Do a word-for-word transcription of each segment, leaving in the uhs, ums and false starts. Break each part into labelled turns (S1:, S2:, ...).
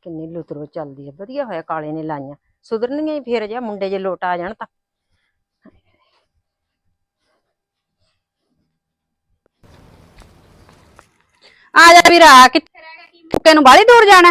S1: ਕਿੰਨੀ ਲੁਤਰੋ ਚੱਲਦੀ ਹੈ। ਵਧੀਆ ਹੋਇਆ ਕਾਲੇ ਨੇ ਲਾਈਆਂ, ਸੁਧਰਨਗੀਆਂ ਹੀ ਫੇਰ ਜਾ ਮੁੰਡੇ ਜੇ ਲੋਟ ਆ ਜਾਣ ਤਾਂ।
S2: ਆ ਜਾ ਵੀਰਾ, ਕਿੱਥੇ ਰਹਿ ਗਿਆ? ਕੀ ਫੁੱਕੇ ਨੂੰ ਬਾਹਲੀ ਦੂਰ ਜਾਣਾ?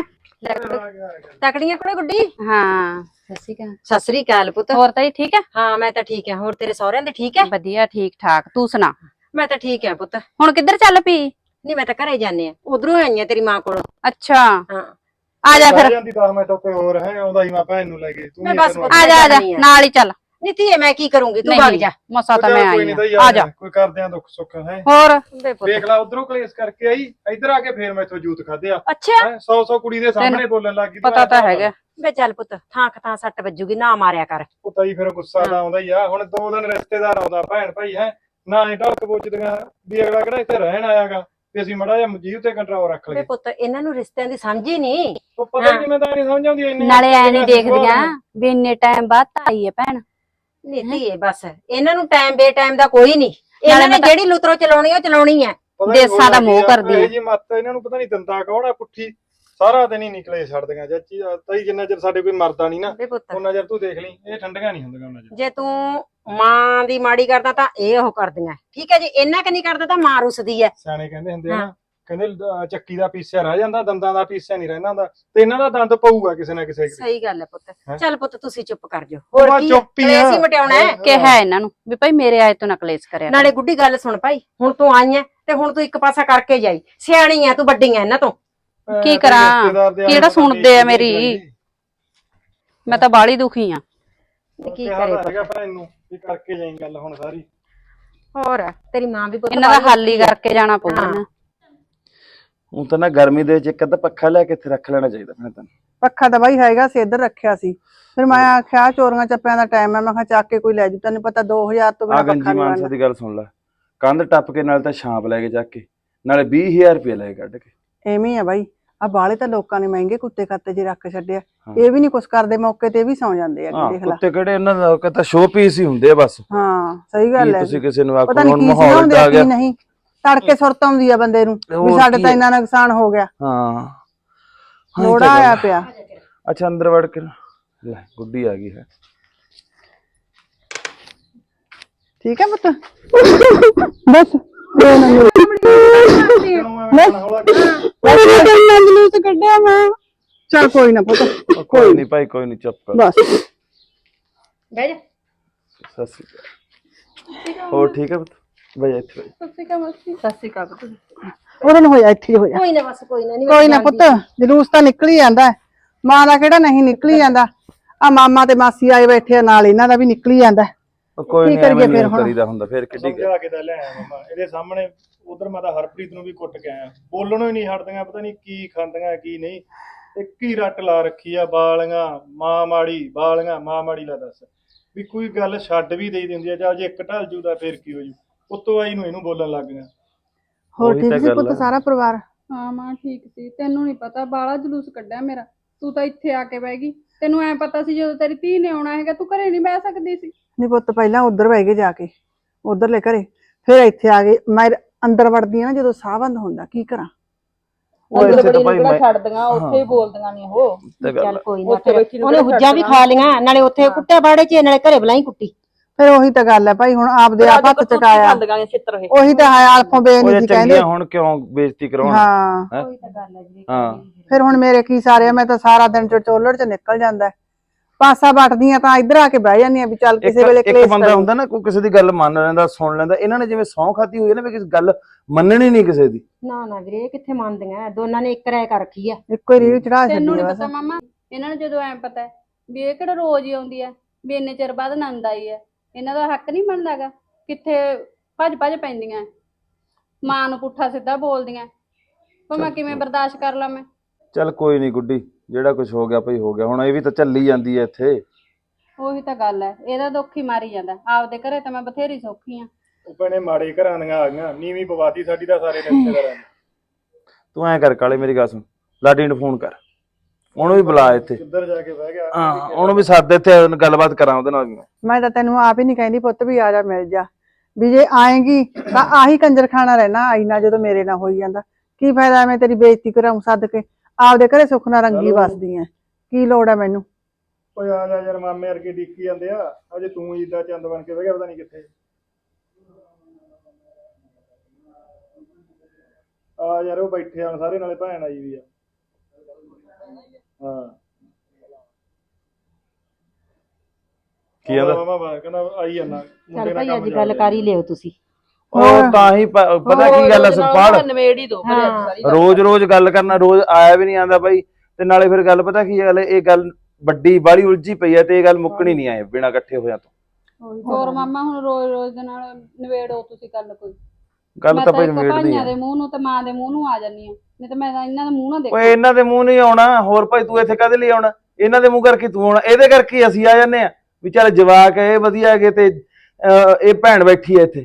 S1: ਤਕੜੀਆਂ ਕੋਲੇ ਗੁੱਡੀ।
S2: ਹਾਂ ਸਤਿ ਸ਼੍ਰੀ ਅਕਾਲ।
S1: ਸਤਿ ਸ੍ਰੀ ਅਕਾਲ ਪੁੱਤ।
S2: ਹੋਰ ਤਾਈ ਠੀਕ ਹੈ?
S1: ਹਾਂ ਮੈਂ ਤਾਂ ਠੀਕ ਹਾਂ। ਹੋਰ ਤੇਰੇ ਸਹੁਰਿਆਂ ਦੇ ਠੀਕ ਹੈ?
S2: ਵਧੀਆ ਠੀਕ ਠਾਕ, ਤੂੰ ਸੁਣਾ?
S1: ਮੈਂ ਤਾਂ ਠੀਕ ਹਾਂ ਪੁੱਤ।
S2: ਹੁਣ ਕਿੱਧਰ ਚੱਲ ਪਈ?
S1: ਨਹੀਂ ਮੈਂ ਤਾਂ ਘਰੇ ਜਾਣੇ ਆ, ਉਧਰੋਂ ਆਈਆਂ ਤੇਰੀ ਮਾਂ ਕੋਲੋਂ।
S2: ਅੱਛਾ
S1: ਹਾਂ
S2: ਆ ਜਾ ਫਿਰ।
S3: ਜਾਂਦੀ ਦਸ ਮਿੰਟ ਉੱਤੇ ਹੋਰ ਹੈ, ਆਉਂਦਾ ਹੀ ਮੈਂ ਭੈਣ ਨੂੰ ਲੈ ਕੇ। ਤੂੰ
S1: ਮੈਂ
S3: ਵੀ
S1: ਬਸ
S3: ਤੈਨੂੰ
S2: ਆ ਜਾ ਆ ਜਾ ਨਾਲ ਹੀ ਚੱਲ।
S1: ਨੀ ਧੀਏ ਮੈਂ ਕੀ ਕਰੂੰਗੀ, ਤੂੰ ਭੱਗ ਜਾ।
S2: ਮਸਾ ਤਾਂ ਮੈਂ
S3: ਕੋਈ
S2: ਆਈ
S3: ਨਹੀਂ
S2: ਆਂ।
S3: ਤਾਂ
S2: ਆ
S3: ਯਾਰ
S2: ਜਾ।
S3: ਕੋਈ ਕਰਦੇ ਆ ਦੁੱਖ ਸੁੱਖ ਹੈ।
S2: ਹੋਰ
S1: ਬੇ ਪੁੱਤ।
S3: ਵੇਖ ਲੈ ਉਧਰੋਂ ਕਲੇਸ਼ ਕਰਕੇ ਆਈ, ਇੱਧਰ ਆ ਕੇ ਫੇਰ ਮੈਥੋਂ ਜੂਤ ਖਾਦੇ ਆ।
S1: ਅੱਛਾ
S3: ਸੌ ਸੌ ਕੁੜੀ ਦੇ ਸਾਹਮਣੇ ਬੋਲਣ ਲੱਗ ਗਈ।
S2: ਪਤਾ ਤਾਂ ਹੈਗਾ।
S1: ਬੇ ਚੱਲ ਪੁੱਤ, ਥਾਂ ਥਾਂ ਸੱਟ ਵੱਜੂਗੀ, ਨਾ ਮਾਰਿਆ ਕਰ।
S3: ਪੁੱਤਾ ਹੀ ਫਿਰ ਗੁੱਸਾ ਤਾਂ ਆਉਂਦਾ ਹੀ ਆ। ਹੁਣ ਦੋ ਦਿਨ ਰਿਸ਼ਤੇਦਾਰ ਆਉਂਦਾ ਭੈਣ ਭਾਈ ਹੈ ਨਾ, ਇਹ ਢੱਕ ਪੁੱਛਦੀਆਂ ਵੀ ਅਗਲਾ ਕਿਹੜਾ ਇੱਥੇ ਰਹਿਣ ਆਇਆਗਾ, ਤੇ ਅਸੀਂ ਮੜਾ ਜਿਹਾ ਮਜੀਦ ਤੇ ਕੰਟਰੋਲ ਰੱਖ
S1: ਬੇ
S3: ਲਈਏ।
S1: ਪੁੱਤ ਇਹਨਾਂ ਨੂੰ ਰਿਸ਼ਤਿਆਂ ਦੀ ਸਮਝ ਹੀ ਨਹੀਂ।
S3: ਉਹ ਪਤਾ ਹੀ ਕਿਵੇਂ ਤਾਂ ਨਹੀਂ ਸਮਝ ਆਉਂਦੀ ਇੰਨੀ।
S2: ਨਾਲੇ ਐ ਨਹੀਂ ਦੇਖਦੀਆਂ ਵੀ ਇੰਨੇ ਟਾਈਮ ਬਾਅਦ ਤਾਂ ਆਈ ਹੈ ਭੈਣ।
S1: ਨੀ ਧੀਏ ਬਸ ਇਹਨਾਂ ਨੂੰ ਟਾਈਮ ਬੇ ਟਾਈਮ ਦਾ ਕੋਈ ਨਹੀਂ। ਇਹਨਾਂ ਨੇ ਜਿਹੜੀ ਲੁਤਰੋ ਚਲਾਉਣੀ ਉਹ ਚਲਾਉਣੀ ਹੈ।
S2: ਦੇਸਾਂ ਦਾ ਮੋਹ ਕਰਦੀ
S3: ਇਹ ਜੀ ਮੱਤ ਇਹਨਾਂ ਨੂੰ ਪਤਾ ਨਹੀਂ ਦੰਦਾ ਕੌਣ ਆ ਪੁੱਠੀ, ਸਾਰਾ ਦਿਨ ਹੀ ਨਿਕਲੇ ਛੱਡਦੀਆਂ ਚਾਚੀ। ਤਾਈ ਜਿੰਨਾ ਚਿਰ ਸਾਡੇ ਕੋਈ ਮਰਦਾ ਨਹੀਂ ਨਾ
S1: ਬੇ ਪੁੱਤ
S3: ਉਹਨਾਂ ਚਿਰ ਤੂੰ ਦੇਖ ਲਈ, ਇਹ ਠੰਡੀਆਂ ਨਹੀਂ ਹੁੰਦੀਆਂ ਉਹਨਾਂ ਚਿਰ।
S1: ਜੇ ਤੂੰ ਮਾਂ ਦੀ ਮਾੜੀ ਕਰਦਾ ਤਾਂ ਇਹ ਉਹ ਕਰਦੀਆਂ, ਠੀਕ ਹੈ ਜੀ। ਇਹਨਾਂ ਕਿ ਨਹੀਂ ਕਰਦਾ ਤਾਂ ਮਾਂ ਰੁੱਸਦੀ ਹੈ।
S3: ਸਿਆਣੇ ਕਹਿੰਦੇ ਹੁੰਦੇ ਆ ਨਾ, ਕਹਿੰਦੇ ਅਹ ਚੱਕੀ ਦਾ ਪੀਸਿਆ ਰਹਿ ਜਾਂਦਾ, ਦੰਦਾਂ ਦਾ ਪੀਸਿਆ ਨਹੀਂ ਰਹਿੰਦਾ ਹੁੰਦਾ, ਤੇ ਇਹਨਾਂ ਦਾ ਦੰਦ ਪਊਗਾ ਕਿਸੇ ਨਾ ਕਿਸੇ।
S1: ਸਹੀ ਗੱਲ ਹੈ ਪੁੱਤ।
S3: ਹੈਂ?
S1: ਚੱਲ ਪੁੱਤ ਤੁਸੀਂ ਚੁੱਪ ਕਰ ਜਾਓ। ਹੋਰ
S3: ਮੈਂ
S1: ਕੀ
S3: ਚੁੱਪ ਹੀ ਆ।
S1: ਕਲੇਸ਼ ਹੀ ਮਟਿਆਉਣਾ ਹੈ।
S2: ਕਿਹਾ ਇਹਨਾਂ ਨੂੰ ਵੀ ਭਾਈ ਮੇਰੇ ਆਏ ਤੋਂ ਨਾ ਕਲੇਸ਼ ਕਰਿਆ।
S1: ਨਾਲੇ ਗੁੱਡੀ ਗੱਲ ਸੁਣ ਭਾਈ, ਹੁਣ ਤੂੰ ਆਈ ਐ ਤੇ ਹੁਣ ਤੂੰ ਇੱਕ ਪਾਸਾ ਕਰਕੇ ਜਾਈ। ਸਿਆਣੀ ਐ ਤੂੰ, ਵੱਡੀ ਐ ਇਹਨਾਂ ਤੋਂ।
S3: ਅਹ
S2: ਕੀ
S3: ਤੇ
S2: ਕਰਾਂ?
S3: ਰਿਸ਼ਤੇਦਾਰ ਦੇ
S2: ਕਿਹੜਾ
S3: ਆਲੇ
S2: ਸੁਣਦੇ ਆ
S3: ਦੁਆਲੇ
S2: ਮੇਰੀ? ਮੈਂ ਤਾਂ ਬਾਹਲੀ ਦੁਖੀ ਆ।
S1: ਕੀ
S3: ਕਿਹਾ
S1: ਕਰੇ
S3: ਤਾਂ ਹੈਗਾ ਭੈਣ ਨੂੰ ਵੀ ਕਰਕੇ ਜਾਈਂ ਗੱਲ ਹੁਣ ਸਾਰੀ।
S1: ਹੋਰ ਤੇਰੀ ਮਾਂ ਵੀ ਪੁੱਤ
S2: ਇਹਨਾਂ ਦਾ ਹੱਲ ਹੀ ਕਰਕੇ ਜਾਣਾ ਪਊਗਾ ਨਾ।
S4: ਹੁਣ ਤਾਂ ਨਾ ਗਰਮੀ ਦੇ ਵਿੱਚ ਇੱਕ ਅੱਧਾ ਪੱਖਾ ਲੈ ਕੇ ਇੱਥੇ ਰੱਖ ਲੈਣਾ ਚਾਹੀਦਾ ਮੈਂ ਤਾਂ।
S5: ਪੱਖਾ ਤਾਂ ਬਾਈ ਹੈਗਾ ਸੀ, ਇੱਧਰ ਰੱਖਿਆ ਸੀ। ਫਿਰ ਮੈਂ ਆਖਿਆ ਚੋਰੀਆਂ ਚੱਪਿਆਂ ਦਾ ਟਾਈਮ ਹੈ, ਮੈਂ ਕਿਹਾ ਚੱਕ ਕੇ ਕੋਈ ਲੈ ਜੂ। ਤੈਨੂੰ ਪਤਾ ਦੋ ਹਜ਼ਾਰ ਤੋਂ
S4: ਆ
S5: ਬਿਨਾਂ
S4: ਗੰਜੀ
S5: ਪੱਖਾ ਨਹੀਂ
S4: ਮਾਨਸਾ
S5: ਬਣਦਾ।
S4: ਦੀ ਗੱਲ ਸੁਣ ਲੈ, ਕੰਧ ਟੱਪ ਕੇ ਨਾਲ ਤਾਂ ਛਾਂਪ ਲੈ ਕੇ ਚੱਕ ਕੇ, ਨਾਲੇ ਵੀਹ ਹਜ਼ਾਰ ਰੁਪਏ ਲੈ ਕੇ ਕੱਢ ਕੇ।
S5: ਐਵੇਂ ਹੀ ਆ ਬਾਈ, ਆ ਬਾਲੇ ਤਾਂ ਲੋਕਾਂ ਨੇ ਮਹਿੰਗੇ ਕੁੱਤੇ ਕੱਤੇ ਜੇ ਰੱਖ ਛੱਡਿਆ।
S4: ਹਾਂ।
S5: ਇਹ ਵੀ ਨਹੀਂ ਕੁਛ ਕਰਦੇ, ਮੌਕੇ ਤੇ ਇਹ ਵੀ ਸੌ ਜਾਂਦੇ ਆ।
S4: ਹਾਂ
S5: ਦੇਖ ਲੈ।
S4: ਕੁੱਤੇ ਕਿਹੜੇ ਇਹਨਾਂ ਦਾ ਕਹਿੰਦਾ ਸ਼ੋਅ ਪੀਸ ਹੀ ਹੁੰਦੇ ਆ ਬਸ।
S5: ਹਾਂ ਸਹੀ
S4: ਕੀ
S5: ਗੱਲ ਹੈ।
S4: ਤੁਸੀਂ ਕਿਸੇ ਨੂੰ
S5: ਪਤਾ
S4: ਆਖੋ
S5: ਨਹੀਂ
S4: ਹੁਣ
S5: ਕੀ
S4: ਮਾਹੌਲ
S5: ਸਿਖਾਉਂਦੇ
S4: ਦਾ
S5: ਆ
S4: ਆ
S5: ਕੀ
S4: ਗਿਆ।
S5: ਨਹੀਂ। ਤੜਕੇ ਸੁਰਤ ਆਉਂਦੀ ਆ ਬੰਦੇ ਨੂੰ ਵੀ
S4: ਹੋਰ
S5: ਸਾਡੇ
S4: ਕੀ
S5: ਤਾਂ
S4: ਹੈ।
S5: ਇੰਨਾ ਨੁਕਸਾਨ ਹੋ ਗਿਆ,
S4: ਹਾਂ ਹਾਂ ਇਹ
S5: ਲੋੜਾ
S4: ਤਾਂ ਗੱਲ
S5: ਆਇਆ
S4: ਹੈ।
S5: ਪਿਆ।
S4: ਅੱਛਾ ਅੰਦਰ ਵੜ ਕੇ ਲੈ ਗੁੱਡੀ ਆ ਗਈ ਹੈ।
S5: ਠੀਕ ਹੈ ਪੁੱਤ ਬਸ ਜਲੂਸ ਕੱਢਿਆ ਮੈਂ। ਚੱਲ ਕੋਈ ਨਾ ਪੁੱਤ,
S4: ਕੋਈ ਨਹੀਂ ਭਾਈ ਕੋਈ ਨਹੀਂ, ਚੁੱਪ ਕਰ।
S5: ਬਸ
S1: ਬਹਿ ਜਾ।
S4: ਸਤਿ ਸ਼੍ਰੀ ਅਕਾਲ। ਹੋਰ ਠੀਕ ਹੈ ਪੁੱਤ? ਬਈ ਇੱਥੇ ਬਈ।
S1: ਸਤਿ ਸ਼੍ਰੀ ਅਕਾਲ ਪੁੱਤ।
S5: ਉਹਨਾਂ ਨੂੰ ਹੋਇਆ ਇੱਥੇ ਹੋਇਆ।
S1: ਕੋਈ ਨਾ ਬਸ ਕੋਈ ਨਾ। ਨਹੀਂ
S5: ਕੋਈ ਨਾ ਪੁੱਤ, ਜਲੂਸ ਤਾਂ ਨਿਕਲ ਹੀ ਜਾਂਦਾ। ਮਾਂ ਦਾ ਕਿਹੜਾ ਨਹੀਂ ਨਿਕਲ ਹੀ ਜਾਂਦਾ। ਆ ਮਾਮਾ ਤੇ ਮਾਸੀ ਆਏ ਬੈਠੇ ਆ ਨਾਲ, ਇਹਨਾਂ ਦਾ ਵੀ ਨਿਕਲ ਹੀ ਜਾਂਦਾ।
S4: ਉਹ ਕੋਈ
S5: ਕੀ
S4: ਨਹੀਂ
S5: ਕਰੀਏ
S4: ਐਵੇਂ
S5: ਫਿਰ
S4: ਨਹੀਂ
S5: ਹੁਣ?
S4: ਕਰੀਦਾ ਹੁੰਦਾ, ਫਿਰ ਕਿੱਡੀ ਗੱਲ।
S3: ਸਮਝਾ ਕੇ ਤਾਂ ਲੈ ਆਇਆ ਮਮਾ ਇਹਦੇ ਸਾਹਮਣੇ। ਉਧਰ ਮੈਂ ਤਾਂ ਹਰਪ੍ਰੀਤ ਨੂੰ ਵੀ ਕੁੱਟ ਕੇ ਆਇਆ, ਬੋਲਣੋਂ ਹੀ ਨਹੀਂ ਹਟਦੀਆਂ, ਪਤਾ ਨਹੀਂ ਕੀ ਖਾਂਦੀਆਂ ਕੀ ਨਹੀਂ। ਇੱਕ ਹੀ ਰੱਟ ਲਾ ਰੱਖੀ ਆ, ਬਾਲੀਆਂ ਮਾਂ ਮਾੜੀ, ਬਾਲੀਆਂ ਮਾਂ ਮਾੜੀ। ਲਾ ਦੱਸ ਵੀ ਕੋਈ ਗੱਲ ਛੱਡ ਵੀ ਦੇਈ ਦਿੰਦੀ ਆ, ਜਾਂ ਜੇ ਇੱਕ ਢਲ ਜੂ ਤਾਂ ਫਿਰ ਕੀ ਹੋ ਜੂ। ਉੱਤੋਂ ਆਈ ਨੂੰ ਇਹਨੂੰ ਬੋਲਣ ਲੱਗ ਗਿਆ।
S5: ਹੋਰ
S4: ਉਹੀ
S5: ਠੀਕ
S4: ਤਾਂ
S5: ਸੀ
S4: ਗੱਲ
S5: ਪੁੱਤ
S4: ਆ।
S5: ਸਾਰਾ ਪਰਿਵਾਰ?
S6: ਹਾਂ ਮਾਂ ਠੀਕ ਸੀ। ਤੈਨੂੰ ਨਹੀਂ ਪਤਾ, ਬਾਲਾ ਜਲੂਸ ਕੱਢਿਆ ਮੇਰਾ। ਤੂੰ ਤਾਂ ਇੱਥੇ ਆ ਕੇ ਬਹਿ ਗਈ। ਤੈਨੂੰ ਐ ਪਤਾ ਸੀ ਜਦੋਂ ਤੇਰੀ ਧੀ ਨੇ ਆਉਣਾ ਹੈਗਾ ਤੂੰ ਘਰੇ ਨਹੀਂ ਬਹਿ ਸਕਦੀ ਸੀ।
S5: ਨਹੀਂ ਪੁੱਤ, ਪਹਿਲਾਂ ਉਧਰ ਬਹਿ ਗਏ ਜਾ ਕੇ, ਉਧਰਲੇ ਘਰੇ, ਫਿਰ ਇੱਥੇ ਆ ਗਏ। ਮੈਂ ਅੰਦਰ ਵੜਦੀ ਆ ਨਾ ਜਦੋਂ ਸਾਹ ਬੰਦ ਹੁੰਦਾ, ਕੀ ਕਰਾਂ?
S4: ਉਹ ਇੱਥੇ ਤਾਂ ਭਾਈ ਮੈਂ
S6: ਛੱਡਦੀਆਂ ਉੱਥੇ ਹੀ ਬੋਲਦੀਆਂ ਨਹੀਂ ਉਹ।
S4: ਤੇ ਗੱਲ
S1: ਚੱਲ
S4: ਆ।
S1: ਕੋਈ ਨਾ। ਫਿਰ ਉਹਨੇ ਹੁੱਜਾਂ ਵੀ ਖਾ ਲੀਆਂ, ਨਾਲੇ ਉੱਥੇ ਕੁੱਟਿਆ ਬਾੜੇ ਚ, ਨਾਲੇ ਘਰੇ ਬੁਲਾਈ ਕੁੱਟੀ।
S5: ਫਿਰ ਉਹੀ ਤਾਂ ਗੱਲ ਹੈ ਭਾਈ, ਹੁਣ ਆਪਦੇ ਆਪ ਹੱਥ ਚਕਾਇਆ। ਉਹੀ ਤਾਂ ਹੈ, ਆਲਫੋਂ ਬੇ
S4: ਉਹ
S5: ਨਹੀਂ
S4: ਜੇ
S5: ਸੀ ਕਹਿੰਦੇ।
S4: ਚੰਗੀਆਂ ਹੁਣ ਕਿਉਂ ਬੇਇੱਜ਼ਤੀ ਕਰਾਉਣ?
S5: ਹਾਂ
S4: ਹੈਂ?
S1: ਕੋਈ ਤਾਂ ਗੱਲ ਹੈ ਜੀ।
S4: ਹਾਂ
S5: ਫਿਰ ਹੁਣ ਮੇਰੇ ਕੀ ਸਾਰੇ ਆ, ਮੈਂ ਤਾਂ ਸਾਰਾ ਦਿਨ ਚੋਲੜ ਚ ਨਿਕਲ ਜਾਂਦਾ। ਪਾਸਾ ਵੱਟਦੀ ਆ ਤਾਂ ਇੱਧਰ ਆ ਕੇ ਬਹਿ ਜਾਂਦੀ ਆ ਵੀ ਚੱਲ ਕਿਸੇ ਵੇਲੇ
S4: ਇੱਕ
S5: ਕਲੇਸ਼
S4: ਇੱਕ ਬੰਦਾ
S5: ਕਰੂੰ।
S4: ਹੁੰਦਾ ਨਾ, ਕੋਈ ਕਿਸੇ ਦੀ ਗੱਲ ਮੰਨ ਲੈਂਦਾ, ਸੁਣ ਲੈਂਦਾ। ਇਹਨਾਂ ਨੇ ਜਿਵੇਂ ਸਹੁੰ ਖਾਧੀ ਹੋਈ ਹੈ ਨਾ ਵੀ ਕਿਸੇ ਗੱਲ ਮੰਨਣੀ ਨਹੀਂ ਕਿਸੇ ਦੀ।
S1: ਨਾ ਨਾ ਵੀਰੇ, ਇਹ ਕਿੱਥੇ ਮੰਨਦੀਆਂ, ਦੋਨਾਂ ਨੇ ਇੱਕ ਰਾਏ ਕਰ ਰੱਖੀ ਆ।
S5: ਇੱਕੋ ਹੀ ਰੀਲ ਚੜਾ
S6: ਤੈਨੂੰ
S5: ਛੱਡੀ
S6: ਨਹੀਂ
S5: ਆ
S6: ਪਤਾ
S5: ਬਸ।
S6: ਮਾਮਾ, ਇਹਨਾਂ ਨੂੰ ਜਦੋਂ ਐ ਪਤਾ ਹੈ ਵੀ ਇਹ ਕਿਹੜਾ ਰੋਜ਼ ਹੀ ਆਉਂਦੀ ਹੈ, ਵੀ ਇੰਨੇ ਚਿਰ ਬਾਅਦ ਆਨੰਦ ਆਈ ਹੈ, ਇਹਨਾਂ ਦਾ ਹੱਕ ਨਹੀਂ ਬਣਦਾਗਾ। ਕਿੱਥੇ ਭੱਜ ਭੱਜ ਪੈਂਦੀਆਂ, ਮਾਂ ਨੂੰ ਪੁੱਠਾ ਸਿੱਧਾ ਬੋਲਦੀਆਂ। ਪਰ ਮੈਂ ਕਿਵੇਂ ਬਰਦਾਸ਼ਤ ਕਰ ਲਾਂ ਮੈਂ?
S4: ਚੱਲ ਕੋਈ ਨਹੀਂ ਗੁੱਡੀ, ਜਿਹੜਾ ਕੁਝ ਹੋ ਗਿਆ ਭਈ ਹੋ ਗਿਆ। ਹੁਣ ਇਹ ਵੀ ਤਾਂ ਚੱਲੀ ਜਾਂਦੀ ਹੈ ਇੱਥੇ।
S6: ਉਹੀ ਤਾਂ ਗੱਲ ਹੈ, ਇਹਦਾ ਦੁੱਖ ਹੀ ਮਾਰੀ ਜਾਂਦਾ। ਆਪਦੇ ਘਰੇ ਤਾਂ ਮੈਂ ਬਥੇਰੀ ਸੌਖੀ ਆ।
S3: ਉਹ ਭੈਣੇ ਮਾੜੇ ਘਰਾਂ ਦੀਆਂ ਆ ਗਈਆਂ, ਨੀਵੀਂ ਪਵਾਤੀ ਸਾਡੀ ਤਾਂ ਸਾਰੇ ਰਿਸ਼ਤੇਦਾਰਾਂ ਨੇ।
S4: ਤੂੰ ਐਂ ਕਰ ਕਾਲੇ, ਮੇਰੀ ਗੱਲ ਸੁਣ, ਲਾਡੀ ਨੂੰ ਫੋਨ ਕਰ, ਉਹਨੂੰ ਵੀ ਬੁਲਾ ਇੱਥੇ।
S3: ਕਿੱਧਰ ਜਾ ਕੇ ਬਹਿ ਗਿਆ?
S4: ਹਾਂ ਉਹਨੂੰ ਵੀ ਸੱਦ ਇੱਥੇ, ਗੱਲਬਾਤ ਕਰਾਂ ਉਹਦੇ ਨਾਲ ਵੀ।
S5: ਮੈਂ ਤਾਂ ਤੈਨੂੰ ਆਪ ਹੀ ਨਹੀਂ ਕਹਿੰਦੀ ਪੁੱਤ ਵੀ ਆ ਜਾ ਮਿਲ ਜਾ, ਵੀ ਜੇ ਆਏਗੀ ਤਾਂ ਆਹੀ ਕੰਜਰਖਾਨਾ ਰਹਿਣਾ ਆਈ ਨਾ, ਜਦੋਂ ਮੇਰੇ ਨਾਲ ਹੋਈ ਜਾਂਦਾ ਕੀ ਫਾਇਦਾ? ਮੈਂ ਤੇਰੀ ਬੇਇੱਜ਼ਤੀ ਕਰਾਉਂ ਸੱਦ ਕੇ? ਆਪਦੇ ਘਰੇ ਸੁੱਖ ਨਾਲ ਰੰਗੀ
S3: ਚਲੋ।
S5: ਵਸਦੀ ਐ, ਕੀ ਲੋੜ ਐ ਮੈਨੂੰ।
S3: ਓਏ ਆ ਜਾ ਯਾਰ, ਮਾਮੇ ਵਰਗੇ ਡਿੱਕੀ ਜਾਂਦੇ ਆ, ਅਜੇ ਤੂੰ ਈਦਾ ਚੰਦ ਬਣ ਕੇ ਬਹਿ ਗਿਆ ਪਤਾ ਨਹੀਂ ਕਿੱਥੇ। ਆ ਯਾਰ ਉਹ ਬੈਠੇ ਆ ਸਾਰੇ, ਨਾਲੇ ਭੈਣ ਆਈ ਵੀ ਆ। ਹਾਂ
S4: ਕੀ ਕਹਿੰਦਾ?
S3: ਮਾਮਾ ਬਾਹਰ ਕਹਿੰਦਾ ਆਈ ਜਾਂਦਾ
S1: ਚੱਲ ਭਾਈ ਅੱਜ ਗੱਲ ਕਰ ਹੀ ਲਿਓ ਤੁਸੀਂ।
S4: ਉਹ ਤਾਂ ਹੀ ਪ- ਪਤਾ ਕੀ ਗੱਲ ਹੈ ਸੁਖਪਾਲ,
S7: ਨਵੇੜ ਹੀ ਦੋ ਘਰੇ ਅੱਜ ਸਾਰੀ ਗੱਲ।
S4: ਰੋਜ਼ ਰੋਜ਼ ਗੱਲ ਕਰਨਾ, ਰੋਜ਼ ਆਇਆ ਵੀ ਨਹੀਂ ਆਂਦਾ ਬਾਈ। ਤੇ ਨਾਲੇ ਫਿਰ ਗੱਲ ਪਤਾ ਕੀ ਗੱਲ ਹੈ, ਇਹ ਗੱਲ ਵੱਡੀ ਬਾਲੀ ਉਲਝੀ ਪਈ ਹੈ ਤੇ ਇਹ ਗੱਲ ਮੁੱਕਣੀ ਨਹੀਂ ਆਏ ਬਿਨਾਂ ਇਕੱਠੇ ਹੋਇਆ ਤੋਂ।
S6: ਹੋਰ ਮਾਮਾ ਹੁਣ ਰੋਜ਼ ਰੋਜ਼ ਦੇ ਨਾਲ ਨਵੇੜੋ ਤੁਸੀਂ ਗੱਲ ਕੋਈ।
S4: ਗੱਲ
S6: ਮੈਂ
S4: ਤਾਂ
S6: ਤਾਂ
S4: ਭਾਈ
S6: ਇੱਕ
S4: ਨਿਬੇੜਦੀ
S6: ਭਾਈਆਂ
S4: ਆ।
S6: ਦੇ ਮੂੰਹ ਨੂੰ ਤੇ ਮਾਂ ਦੇ ਮੂੰਹ ਨੂੰ ਆ ਜਾਂਦੀ ਆ, ਨਹੀਂ ਤਾਂ ਮੈਂ ਤਾਂ ਇਹਨਾਂ ਦੇ ਮੂੰਹ ਨਾਲ
S4: ਓਏ
S6: ਦੇਖਾਂ।
S4: ਇਹਨਾਂ ਦੇ ਮੂੰਹ ਨਹੀਂ ਆਉਣਾ, ਹੋਰ ਭਾਈ ਤੂੰ ਇੱਥੇ ਕਦੇ ਲਈ ਆਉਣਾ? ਇਹਨਾਂ ਦੇ ਮੂੰਹ ਕਰਕੇ ਤੂੰ ਆਉਣਾ, ਇਹਦੇ ਕਰਕੇ ਹੀ ਅਸੀਂ ਆ ਜਾਂਦੇ ਆ ਵੀ ਚੱਲ ਜਵਾਕ ਇਹ ਵਧੀਆ ਹੈਗੇ ਤੇ ਅਹ, ਇਹ ਭੈਣ ਬੈਠੀ ਹੈ ਇੱਥੇ।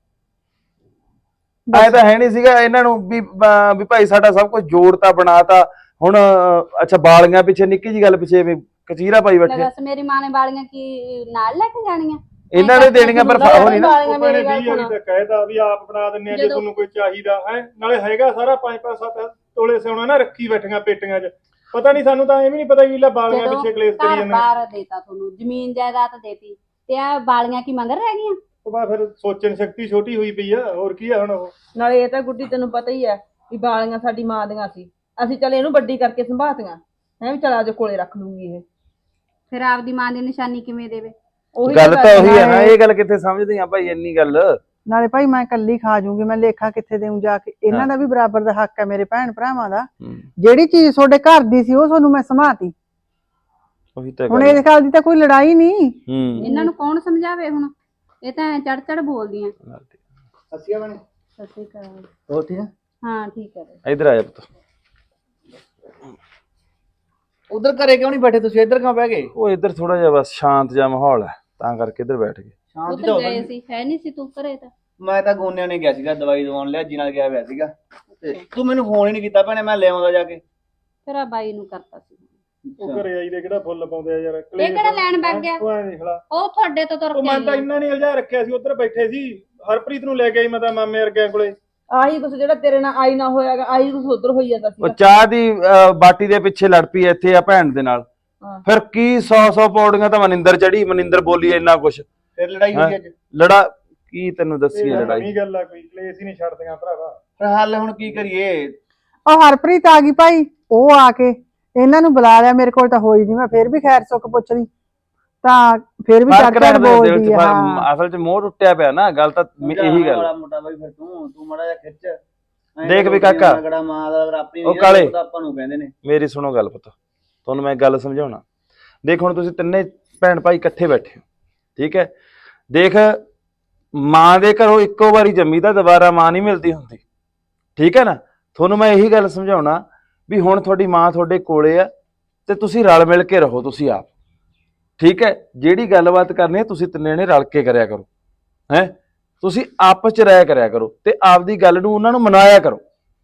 S4: ਐ ਤਾਂ ਹੈ ਨਹੀਂ ਸੀਗਾ ਇਹਨਾਂ ਨੂੰ ਵੀ ਅਹ, ਵੀ ਭਾਈ ਸਾਡਾ ਸਭ ਕੁਝ ਜੋੜਤਾ ਬਣਾਤਾ। ਹੁਣ ਅਹ, ਅੱਛਾ ਬਾਲੀਆਂ ਪਿੱਛੇ ਨਿੱਕੀ ਜੀ ਗੱਲ ਪਿੱਛੇ ਵੀ ਕਚੀਰਾ ਪਾਈ
S6: ਲੈ
S4: ਬੈਠੇ।
S6: ਦੱਸ ਮੇਰੀ ਮਾਂ ਨੇ ਵਾਲੀਆਂ ਕੀ ਨਾਲ ਲੈ ਕੇ ਜਾਣੀਆਂ?
S4: ਇਹਨਾਂ ਨੇ ਦੇਣੀਆਂ ਪਰ ਉਹ ਨਹੀਂ ਨਾ।
S3: ਉਹ ਭੈਣੇ ਵੀਹ ਵਾਰੀ ਤਾਂ ਕਹਿਦਾ ਵੀ ਆਪ ਬਣਾ ਦਿੰਨੇ ਆ ਜੇ ਤੁਹਾਨੂੰ ਕੋਈ ਚਾਹੀਦਾ ਹੈ। ਨਾਲੇ ਹੈਗਾ ਸਾਰਾ ਪੰਜ ਪੰਜ ਸੱਤ ਤੋਲੇ ਸਿਉਣਾ ਨਾ ਰੱਖੀ ਬੈਠੀਆਂ ਪੇਟੀਆਂ 'ਚ। ਪਤਾ ਨਹੀਂ ਸਾਨੂੰ ਤਾਂ ਐਵੇਂ ਨਹੀਂ ਪਤਾ ਵੀ ਲੈ ਬਾਲੀਆਂ ਪਿੱਛੇ ਕਲੇਸ਼ ਕਰੀ
S6: ਘਰ
S3: ਜਾਂਦੇ।
S6: ਬਾਰ ਦੇਤਾ ਤੁਹਾਨੂੰ, ਜ਼ਮੀਨ ਜਾਇਦਾਦ ਦੇਤੀ, ਤੇ ਆ ਵਾਲੀਆਂ ਕੀ ਮੰਗਰ ਰਹਿ ਗਈਆਂ?
S3: ਉਹ ਬਾ ਫਿਰ ਸੋਚਣ ਸ਼ਕਤੀ ਛੋਟੀ ਹੋਈ ਪਈ ਆ, ਹੋਰ ਕੀ ਆ ਹੁਣ ਉਹ।
S7: ਨਾਲੇ ਇਹ ਤਾਂ ਗੁੱਡੀ ਤੈਨੂੰ ਪਤਾ ਹੀ ਹੈ ਵੀ ਬਾਲੀਆਂ ਸਾਡੀ ਮਾਂ ਦੀਆਂ ਸੀ, ਅਸੀਂ ਚੱਲ ਇਹਨੂੰ ਵੱਡੀ ਕਰਕੇ ਸੰਭਾਤੀਆਂ ਹੈ ਵੀ ਚਲ ਅੱਜ ਕੋਲੇ ਰੱਖ ਲੂੰਗੀ ਇਹ।
S6: ਫਿਰ ਆਪਦੀ ਮਾਂ ਦੀ ਨਿਸ਼ਾਨੀ ਕਿਵੇਂ ਦੇਵੇ?
S7: ਉਹੀ
S4: ਗੱਲ ਤਾਂ ਉਹੀ ਹੈ ਨਾ,
S5: ਹੈ।
S4: ਇਹ ਗੱਲ ਕਿੱਥੇ ਸਮਝਦੇ ਆ ਭਾਈ ਇੰਨੀ ਗੱਲ।
S5: ਨਾਲੇ ਭਾਈ ਮੈਂ ਕੱਲੀ ਖਾ ਜੂੰਗੀ, ਮੈਂ ਲੇਖਾ ਕਿੱਥੇ ਦੇਉਂ ਜਾ ਕੇ? ਇਹਨਾਂ ਦਾ ਵੀ ਬਰਾਬਰ ਦਾ ਹੱਕ ਹੈ, ਮੇਰੇ ਭੈਣ ਭਰਾਵਾਂ ਦਾ। ਜਿਹੜੀ ਚੀਜ਼ ਤੁਹਾਡੇ ਘਰ ਦੀ ਸੀ ਉਹ ਤੁਹਾਨੂੰ ਮੈਂ ਸਮਾਤੀ।
S4: ਉਹੀ ਤਾਂ
S5: ਹੁਣ
S4: ਗੱਲ।
S5: ਇਸ ਗੱਲ ਦੀ ਤਾਂ ਕੋਈ ਲੜਾਈ ਨਹੀਂ।
S4: ਹੂੰ
S6: ਇਹਨਾਂ ਨੂੰ ਕੌਣ ਸਮਝਾਵੇ ਹੁਣ? ਇਹ ਤਾਂ ਚੜ ਚੜ ਬੋਲਦੀਆਂ।
S3: ਹੱਸੀਆਂ ਬਣੇ
S6: ਸਤਿ ਸ਼੍ਰੀ ਅਕਾਲ।
S3: ਹੋਰ ਠੀਕ ਆ।
S6: ਹਾਂ ਠੀਕ ਹੈ।
S4: ਇੱਧਰ ਆ ਜਾ ਪੁੱਤ।
S8: ਉਧਰ ਘਰੇ ਕਿਉਂ ਨਹੀਂ ਬੈਠੇ ਤੁਸੀਂ? ਇੱਧਰ ਕਿਉਂ ਬਹਿ ਗਏ?
S4: ਉਹ ਇੱਧਰ ਥੋੜਾ ਜਿਹਾ ਬਸ ਸ਼ਾਂਤ ਜਿਹਾ ਮਾਹੌਲ ਹੈ ਤਾਂ ਕਰਕੇ ਇੱਧਰ ਬੈਠ ਗਏ।
S8: ਸ਼ਾਂਤੀ ਤਾਂ
S6: ਉੱਧਰ
S8: ਹੋਵੇ।
S6: ਗਏ ਸੀ, ਹੈ ਨਹੀਂ ਸੀ ਤੂੰ ਘਰੇ ਤਾਂ?
S8: ਮੈਂ ਤਾਂ ਗੋਨਿਆਂ ਨੇ ਗਿਆ ਸੀਗਾ, ਦਵਾਈ ਦਵਾਉਣ ਲਿਆ ਜੀ ਨਾਲ ਗਿਆ ਹੋਇਆ ਸੀਗਾ। ਤੇ ਤੂੰ ਮੈਨੂੰ ਫੋਨ ਹੀ ਨਹੀਂ ਕੀਤਾ ਭੈਣੇ, ਮੈਂ ਲੈ ਆਉਂਦਾ ਜਾ ਕੇ।
S6: ਫਿਰ ਆ ਬਾਈ ਨੂੰ ਕਰਤਾ ਸੀ।
S3: ਉਹ ਘਰੇ ਆਈ ਦੇ ਕਿਹੜਾ ਫੁੱਲ ਪਾਉਂਦੇ ਆ ਯਾਰ।
S6: ਇਹ ਕਿਹੜਾ ਲੈਣ ਬੈਠ ਗਿਆ?
S3: ਤੂੰ ਐਂ ਦੇਖ ਲਾ,
S6: ਉਹ ਤੁਹਾਡੇ ਤੋਂ ਤੁਰ
S3: ਉਹ
S6: ਕੇ
S3: ਮੈਂ ਤਾਂ
S6: ਆਈ ਆ।
S3: ਇੰਨਾ ਨਹੀਂ ਉਲਝਾ ਰੱਖਿਆ ਸੀ, ਉੱਧਰ ਬੈਠੇ ਸੀ। ਹਰਪ੍ਰੀਤ ਨੂੰ ਲੈ ਕੇ ਆਈ ਮੈਂ ਤਾਂ ਮਾਮੇ ਵਰਗਿਆਂ ਕੋਲੇ।
S7: ਆਹੀ ਕੁਛ ਜਿਹੜਾ ਤੇਰੇ ਨਾਲ ਆਈ ਨਾ ਹੋਇਆਗਾ, ਆਹੀ ਕੁਛ ਉਧਰ ਹੋਈ ਜਾਂਦਾ
S4: ਉਹ
S7: ਸੀ।
S4: ਚਾਹ ਦੀ ਅਹ, ਬਾਟੀ ਦੇ ਪਿੱਛੇ ਲੜ ਪਈ ਇੱਥੇ ਆ ਭੈਣ ਦੇ ਨਾਲ।
S7: ਹਾਂ।
S4: ਫਿਰ ਕੀ ਸੌ ਸੌ ਪੌੜੀਆਂ ਤਾਂ ਮਨਿੰਦਰ ਚੜੀ, ਮਨਿੰਦਰ ਬੋਲੀ ਇੰਨਾ ਕੁਛ।
S8: ਫਿਰ ਲੜਾਈ ਹੋਈ ਅੱਜ?
S4: ਲੜਾ ਕੀ ਤੈਨੂੰ ਦੱਸੀ
S3: ਇਹ
S4: ਲੜਾਈ?
S3: ਨਵੀਂ ਗੱਲ ਆ, ਕੋਈ ਕਲੇਸ਼ ਹੀ ਨਹੀਂ ਛੱਡਦੀਆਂ ਭਰਾਵਾ।
S8: ਫਿਰ ਹੱਲ ਹੁਣ ਕੀ ਕਰੀਏ?
S5: ਉਹ ਹਰਪ੍ਰੀਤ ਆ ਗਈ ਭਾਈ, ਉਹ ਆ ਕੇ ਇਹਨਾਂ ਨੂੰ ਬੁਲਾ ਲਿਆ। ਮੇਰੇ ਕੋਲ ਤਾਂ ਹੋਈ ਨਹੀਂ, ਮੈਂ ਫੇਰ ਵੀ ਖੈਰ ਸੁੱਖ ਪੁੱਛਦੀ ਤਾਂ ਫੇਰ ਵੀ
S4: ਫਰਕ
S5: ਚੜ ਚੜ
S4: ਰੱਖਦੇ ਦਿਲ
S5: ਬੋਲਦੀ
S4: ਚ,
S5: ਆ। ਹਾਂ।
S4: ਅਸਲ ਚ ਮੋਹ ਟੁੱਟਿਆ ਪਿਆ ਨਾ, ਗੱਲ ਤਾਂ ਇਹੀ ਗੱਲ।
S8: ਵਾਲਾ ਮੋਟਾ ਬਾਈ ਫਿਰ ਤੂੰ ਤੂੰ ਮੜਾ ਜਾ ਖਿੱਚ। ਐਂ
S4: ਦੇਖ
S8: ਤਾਂ
S4: ਵੀ ਕਾਕਾ,
S8: ਰਗੜਾ ਮਾਂ ਦਾ ਆਪਣੀ
S4: ਉਹ
S8: ਨਹੀਂ
S4: ਕਾਲੇ।
S8: ਪਤਾ ਆਪਾਂ ਨੂੰ ਕਹਿੰਦੇ ਨੇ।
S4: ਮੇਰੀ ਸੁਣੋ ਗੱਲ ਪੁੱਤ, ਤੁਹਾਨੂੰ ਮੈਂ ਗੱਲ ਸਮਝਾਉਣਾ। ਦੇਖ ਹੁਣ ਤੁਸੀਂ ਤਿੰਨੇ ਭੈਣ ਭਾਈ ਇਕੱਠੇ ਬੈਠੇ ਹੋ, ਠੀਕ ਹੈ? ਦੇਖ ਮਾਂ ਦੇ ਘਰੋਂ ਇੱਕੋ ਵਾਰੀ ਜੰਮੀ ਤਾਂ ਦੁਬਾਰਾ ਮਾਂ ਨਹੀਂ ਮਿਲਦੀ ਹੁੰਦੀ, ਠੀਕ ਹੈ ਨਾ? ਤੁਹਾਨੂੰ ਮੈਂ ਇਹੀ ਗੱਲ ਸਮਝਾਉਣਾ ਵੀ ਹੁਣ ਤੁਹਾਡੀ ਮਾਂ ਤੁਹਾਡੇ ਕੋਲੇ ਆ ਤੇ ਤੁਸੀਂ ਰਲ ਮਿਲ ਕੇ ਰਹੋ ਤੁਸੀਂ ਆਪ, ਠੀਕ ਹੈ? ਜਿਹੜੀ ਗੱਲਬਾਤ ਕਰਨੀ ਹੈ ਤੁਸੀਂ ਤਿੰਨੇ ਨੇ ਰਲ ਕੇ ਕਰਿਆ ਕਰੋ, ਹੈ? ਤੁਸੀਂ ਆਪਸ ਚ ਰਹਿ ਕਰਿਆ ਕਰੋ ਤੇ ਆਪਦੀ ਗੱਲ ਨੂੰ ਉਹਨਾਂ ਨੂੰ ਮਨਾਇਆ ਕਰੋ।